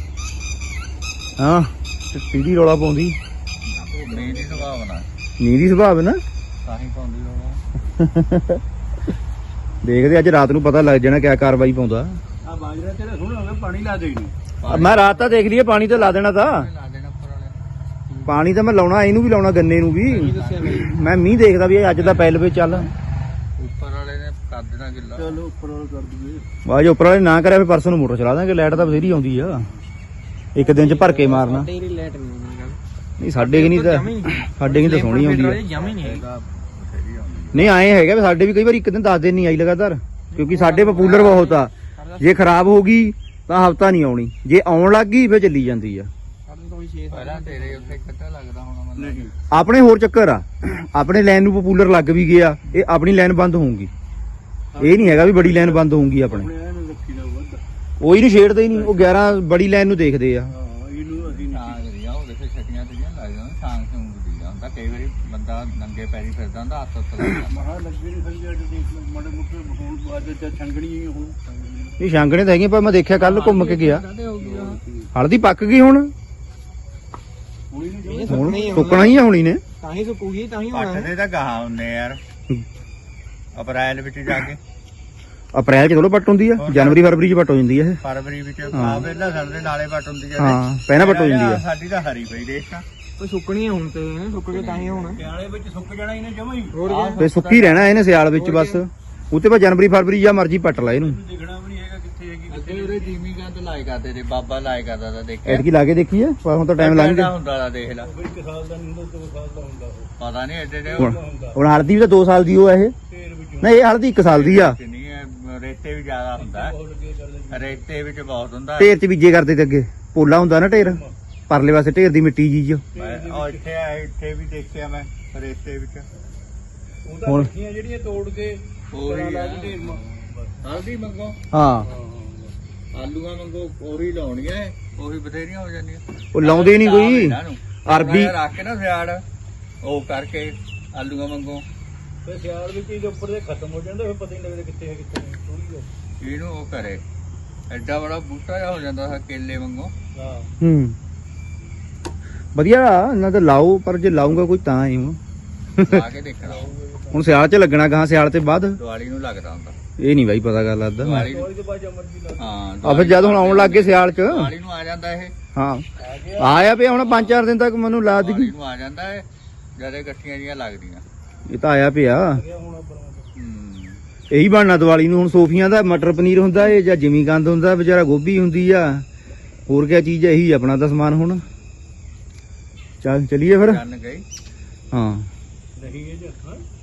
A: ਹਾਂ ਟੀਵੀ ਰੌਲਾ ਪਾਉਂਦੀ
C: ਉਹ ਮੇਰੀ ਦੀ ਸੁਭਾਵਨਾ
A: ਨੀਂਦ ਦੀ ਸੁਭਾਵ ਨਾ
C: ਤਾਂ ਹੀ ਪਾਉਂਦੀ ਰੋਣਾ
A: ਦੇਖਦੇ ਅੱਜ ਰਾਤ ਨੂੰ ਪਤਾ ਲੱਗ ਜਾਣਾ ਕਿਆ ਕਾਰਵਾਈ ਪਾਉਂਦਾ
B: ਆ ਬਾਜਰਾ ਤੇਰਾ ਸੋਹਣਾ ਹੋ ਗਿਆ ਪਾਣੀ ਲਾ ਦੇ ਇਹਨੂੰ
A: ਮੈਂ ਰਾਤ ਤਾਂ ਦੇਖ ਲਈਏ ਪਾਣੀ ਤਾਂ ਲਾ ਦੇਣਾ ਤਾਂ
C: ਲਾ ਦੇਣਾ ਉੱਪਰ ਵਾਲੇ
A: ਪਾਣੀ ਤਾਂ ਮੈਂ ਲਾਉਣਾ ਇਹਨੂੰ ਵੀ ਲਾਉਣਾ ਗੰਨੇ ਨੂੰ ਵੀ
D: ਦੱਸਿਆ ਬਈ
A: ਮੈਂ ਮੀਂਹ ਦੇਖਦਾ ਵੀ ਇਹ ਅੱਜ ਦਾ ਪੈਲ ਵੇ ਚੱਲ
C: ਉੱਪਰ ਵਾਲੇ ਨੇ ਕਰ ਦੇਣਾ ਗਿੱਲਾ
B: ਚਲੋ ਉੱਪਰ ਵਾਲਾ ਕਰ ਦੂਗੇ
A: ਬਾਜ ਉੱਪਰ ਵਾਲੇ ਨਾ ਕਰਿਆ ਫਿਰ ਪਰਸੋਂ ਨੂੰ ਮੋਟਰ ਚਲਾ ਦਾਂਗੇ ਲਾਈਟ ਤਾਂ ਬਥੇਰੀ ਆਉਂਦੀ ਆ ਇੱਕ ਦਿਨ ਚ ਭਰ ਕੇ ਮਾਰਨਾ
D: ਤੇਰੀ ਲੈਟ ਨਹੀਂ ਆਉਣੀ ਗੱਲ
A: ਨਹੀਂ ਸਾਡੇ ਕਿ ਨਹੀਂ ਤਾਂ ਸਾਡੇ ਕਿ ਤਾਂ ਸੋਹਣੀ ਆਉਂਦੀ ਆ
D: ਜਮਾ ਹੀ ਨਹੀਂ ਹੈਗੀ
C: ਇਹਦਾ ਬਥੇਰੀ ਆਉਂਦੀ
A: ਨਹੀਂ ਆਏ ਹੈਗਾ ਵੀ ਸਾਡੇ ਵੀ ਕਈ ਵਾਰ ਇੱਕ ਦਿਨ ਦਸ ਦਿਨ ਨਹੀਂ ਆਈ ਲਗਾਤਾਰ ਕਿਉਂਕਿ ਸਾਡੇ ਪਪੂਲਰ ਬਹੁਤ ਆ ਜੇ ਖਰਾਬ ਹੋ ਗਈ ਤਾਂ ਹਫਤਾ ਨਹੀਂ ਆਉਣੀ ਜੇ ਆਉਣ ਲੱਗ ਗਈ ਫਿਰ ਚੱਲੀ ਜਾਂਦੀ ਆ
D: ਸਾਨੂੰ ਤਾਂ ਕੋਈ ਛੇ
C: ਪਹਿਲਾਂ ਤੇਰੇ ਉੱਥੇ ਕੱਟਾ ਲੱਗਦਾ ਹੋਣਾ ਮੈਨੂੰ
B: ਨਹੀਂ
A: ਆਪਣੇ ਹੋਰ ਚੱਕਰ ਆ ਆਪਣੇ ਲਾਈਨ ਨੂੰ ਪਪੂਲਰ ਲੱਗ ਵੀ ਗਿਆ ਇਹ ਆਪਣੀ ਲਾਈਨ ਬੰਦ ਹੋਊਗੀ ਇਹ ਨਹੀਂ ਹੈਗਾ ਵੀ ਬੜੀ ਲਾਈਨ ਬੰਦ ਹੋਊਗੀ ਆਪਣੇ
B: ਆਪਣੇ ਇਹਨੂੰ ਰੱਖੀ ਦਾ ਵੱਧ
A: ਉਹ ਇਹਨੂੰ ਛੇੜਦੇ ਹੀ ਨਹੀਂ ਉਹ ਗਿਆਰਾਂ ਬੜੀ ਲਾਈਨ ਨੂੰ ਦੇਖਦੇ ਆ
B: ਹਾਂ ਇਹਨੂੰ ਅਸੀਂ ਨਹੀਂ
C: ਤਾਂ ਕਰੀਆ ਉਹ ਦੇਖੇ ਛੱਟੀਆਂ ਤੇ ਲੱਗ ਜਾਂਦਾ ਸ਼ਾਂਗ ਸ਼ੂੰਗ ਦੀ ਜਾਂਦਾ ਕਈ ਵਾਰੀ ਬੰਦਾ ਨੰਗੇ ਪੈਰੀ ਫਿਰਦਾ ਹੁੰਦਾ ਹੱਥ ਉੱਤੇ ਲੱਗ ਜਾਂਦਾ
B: ਮਹਾ ਲੱਗੇ ਨਹੀਂ ਸੰਜਾ ਤੇ ਦੇਖ ਲਓ ਮਾੜੇ ਮੋਟੇ ਹੁਣ ਬਾਅਦ ਚ ਛੰਗਣੀ ਹੀ ਹੁਣ
A: ਇਹ ਛਾਂਗਣੇ ਤਾਂ ਹੈਗੀਆਂ ਪਰ ਮੈਂ ਦੇਖਿਆ ਕੱਲ ਘੁੰਮ ਕੇ ਗਿਆ
C: ਕਾਹਦੇ ਹੋ ਗਈ ਆ
A: ਹਲਦੀ ਪੱਕ ਗਈ ਹੁਣ
B: ਹੁਣੀ ਨਹੀਂ
D: ਇਹ
A: ਹੁਣ
D: ਸੁੱਕਣੀ ਹੀ
A: ਸੁੱਕਣਾ ਹੀ ਆ ਹੁਣੀ ਨੇ
D: ਤਾਂ ਹੀ ਸੁੱਕੂਗੀ ਤਾਂ ਹੀ ਹੋਣਾ
C: ਪੱਟ ਦੇ ਤਾਂ ਗਾਹਾਂ ਹੁੰਨੇ ਯਾਰ ਅਪ੍ਰੈਲ ਵਿੱਚ ਜਾ ਕੇ
A: ਅਪ੍ਰੈਲ ਚ ਥੋੜਾ ਪੱਟ ਹੁੰਦੀ ਆ ਜਨਵਰੀ ਫਰਵਰੀ ਚ ਪੱਟ ਹੋ ਜਾਂਦੀ ਆ ਇਹ
C: ਫਰਵਰੀ ਵਿੱਚ ਆ ਵੇਲਾ ਸਾਡੇ ਨਾਲੇ ਪੱਟ ਹੁੰਦੀ ਆ
A: ਹਾਂ ਪਹਿਲਾਂ ਪੱਟ ਹੋ ਜਾਂਦੀ ਆ
C: ਸਾਡੀ ਤਾਂ ਹਰੀ ਪਈ ਦੇਖ ਤਾਂ
D: ਕੋਈ ਸੁੱਕਣੀ ਆ ਹੁਣ ਤੇ ਸੁੱਕ ਕੇ ਤਾਂ ਹੀ ਹੋਣਾ
B: ਸਿਆਲੇ ਵਿੱਚ ਸੁੱਕ ਜਾਣਾ ਇਹਨੇ ਜਮਾ ਹੀ
D: ਹੋਰ ਕੀ
A: ਫੇ ਸੁੱਕੀ ਰਹਿਣਾ ਇਹਨੇ ਸਿਆਲ ਵਿੱਚ ਬਸ ਉੱਤੇ ਬਾ ਜਨਵਰੀ ਫਰਵਰੀ ਜਾਂ ਮਰਜੀ ਪੱਟ ਲਾ ਇਹਨੂੰ
B: ਦੇਖਣਾ ਵੀ ਨਹੀਂ ਹੈਗਾ ਕਿੱਥੇ ਹੈਗੀ
C: ਅੱਗੇ ਉਹਦੇ ਜੀਮੀ ਗੰਦ ਲਾਏ ਕਰਦੇ ਤੇ ਬਾਬਾ ਲਾਏ ਕਰਦਾ ਤਾਂ ਦੇਖਿਆ
A: ਐਤਕੀ ਲਾ ਕੇ ਦੇਖੀਏ ਪਰ ਹੁਣ ਤਾਂ ਟਾਈਮ ਲੰਘ ਗਿਆ
C: ਹੁੰਦਾ ਲਾ ਦੇਖ ਲੈ
B: ਫਿਰ ਇੱਕ ਸਾਲ ਦਾ ਨਹੀਂ ਹੁੰਦਾ ਦੋ ਸਾਲ ਦਾ ਹੁੰਦਾ ਉਹ
C: ਪਤਾ ਨਹੀਂ ਐਡੇ ਐਡੇ
A: ਹੁਣ ਹੁਣ ਹਲਦੀ ਵੀ ਤਾਂ ਦੋ ਸਾਲ ਦੀ ਉਹ ਆ ਇਹ
B: ਫੇਰ ਵਿੱਚ
A: ਨਹੀਂ ਇਹ ਹਲਦੀ ਇੱਕ ਸਾਲ ਦੀ ਆ
C: ਨਹੀਂ ਇਹ ਰੇਤੇ ਵੀ ਜ਼ਿਆਦਾ ਹੁੰਦਾ
B: ਬਹੁਤ ਲੱਗੇ ਕਰਦੇ
C: ਰੇਤੇ ਵਿੱਚ ਬਹੁਤ ਹੁੰਦਾ
A: ਢੇਰ ਚ ਬੀਜੇ ਕਰਦੇ ਤੇ ਅੱਗੇ ਪੋਲਾ ਹੁੰਦਾ ਨਾ ਢੇਰ ਪਰਲੇ ਪਾਸੇ ਢੇਰ ਦੀ ਮਿੱਟੀ ਜੀ ਚ
C: ਮੈਂ ਉਹ ਇੱਥੇ ਆ ਇੱਥੇ ਵੀ ਦੇਖਿਆ ਮੈਂ ਰੇਤੇ ਵਿੱਚ
B: ਉਹਦਾ
A: ਹੁਣ-
B: ਮਿੱਠੀਆਂ ਜਿਹੜੀਆਂ ਤੋੜ ਕੇ
C: ਉਹੀ
B: ਲਾ
C: ਆ।
B: ਕੇ ਢੇਰ ਮਾ
C: ਹਲਦੀ ਮੰਗੋ
A: ਹਾਂ
C: ਆਲੂਆਂ ਮੰਗੋ ਉਹੀ ਲਾਉਣੀਆਂ ਇਹ, ਉਹੀ ਬਥੇਰੀਆਂ ਹੋ ਜਾਂਦੀਆਂ
A: ਉਹ ਲਾਉਂਦੇ ਨਹੀਂ ਕੋਈ
C: ਇਹਨਾਂ ਨੂੰ।
A: ਅਰਬੀ
C: ਮੈਂ ਰੱਖ ਕੇ ਨਾ ਸਿਆੜ ਉਹ ਕਰਕੇ ਆਲੂਆਂ ਮੰਗੋ
B: ਫਿਰ ਸਿਆਲ ਵਿੱਚ ਇਹਦੇ ਉੱਪਰ ਦੇ ਖਤਮ ਹੋ ਜਾਂਦਾ ਫਿਰ ਪਤਾ ਹੀ ਨਹੀਂ ਲੱਗਦਾ ਕਿੱਥੇ ਹੈ ਕਿੱਥੇ ਨਹੀਂ ਥੋੜੀ ਜਿਹੀ
C: ਇਹਨੂੰ ਉਹ ਕਰੇ ਐਡਾ ਬੜਾ ਬੂਟਾ ਜਿਹਾ ਹੋ ਜਾਂਦਾ ਹੈ ਕੇਲੇ ਵਾਂਗੂ
B: ਹਾਂ
A: ਹੂੰ ਵਧੀਆ ਇਹਨਾਂ ਤਾਂ ਲਾਓ ਪਰ ਜੇ ਲਾਉਂਗਾ ਕੋਈ ਤਾਂ ਹੀ ਹੁਣ
C: ਲਾ ਕੇ ਦੇਖਣਾ
A: ਹੁਣ ਸਿਆਲ ਚ ਲੱਗਣਾ ਗਾਂ ਸਿਆਲ ਤੇ ਬਾਅਦ
C: ਦੀਵਾਲੀ ਨੂੰ ਲੱਗਦਾ ਹੁੰਦਾ
A: ਇਹ ਨਹੀਂ ਬਾਈ ਪਤਾ ਗੱਲ ਲੱਗਦਾ
C: ਦੀਵਾਲੀ ਨੂੰ
B: ਥੋੜੀ ਦੇ ਬਾਅਦ ਜਮਰਜੀ ਲਾ
C: ਹਾਂ
A: ਆ ਫਿਰ ਜਦ ਹੁਣ ਆਉਣ ਲੱਗ ਗਏ ਸਿਆਲ ਚ
C: ਦੀਵਾਲੀ ਨੂੰ ਆ ਜਾਂਦਾ ਇਹ
A: ਹਾਂ ਆਇਆ ਪਿਆ ਹੁਣ ਪੰਜ ਚਾਰ ਦਿਨ ਤੱਕ ਮੈਨੂੰ ਲਾ
C: ਦੀਵਾਲੀ
A: ਦਿੱਗੀ
C: ਨੂੰ ਆ ਜਾਂਦਾ ਇਹ ਜਦੇ ਇਕੱਠੀਆਂ ਜੀਆਂ ਲੱਗਦੀਆਂ
A: ਇਹ ਤਾਂ ਆਇਆ ਪਿਆ
B: ਗਿਆ ਹੁਣ ਬਣਾਉਂਦਾ
C: ਹੂੰ
A: ਇਹੀ ਬਣਨਾ ਦੀਵਾਲੀ ਨੂੰ ਹੁਣ ਸੋਫੀਆਂ ਦਾ ਮਟਰ ਪਨੀਰ ਹੁੰਦਾ ਏ ਜਾਂ ਜਿਮੀ ਕੰਦ ਹੁੰਦਾ ਵਿਚਾਰਾ ਗੋਭੀ ਹੁੰਦੀ ਆ ਹੋਰ ਕਿਆ ਚੀਜ਼ ਇਹੀ ਆਪਣਾ ਤਾਂ ਸਮਾਨ ਹੁਣ ਚੱਲ ਚਲੀਏ ਫਿਰ
C: ਚੰਨ ਗਈ
A: ਹਾਂ
B: ਨਹੀਂ ਇਹ ਜਾਂ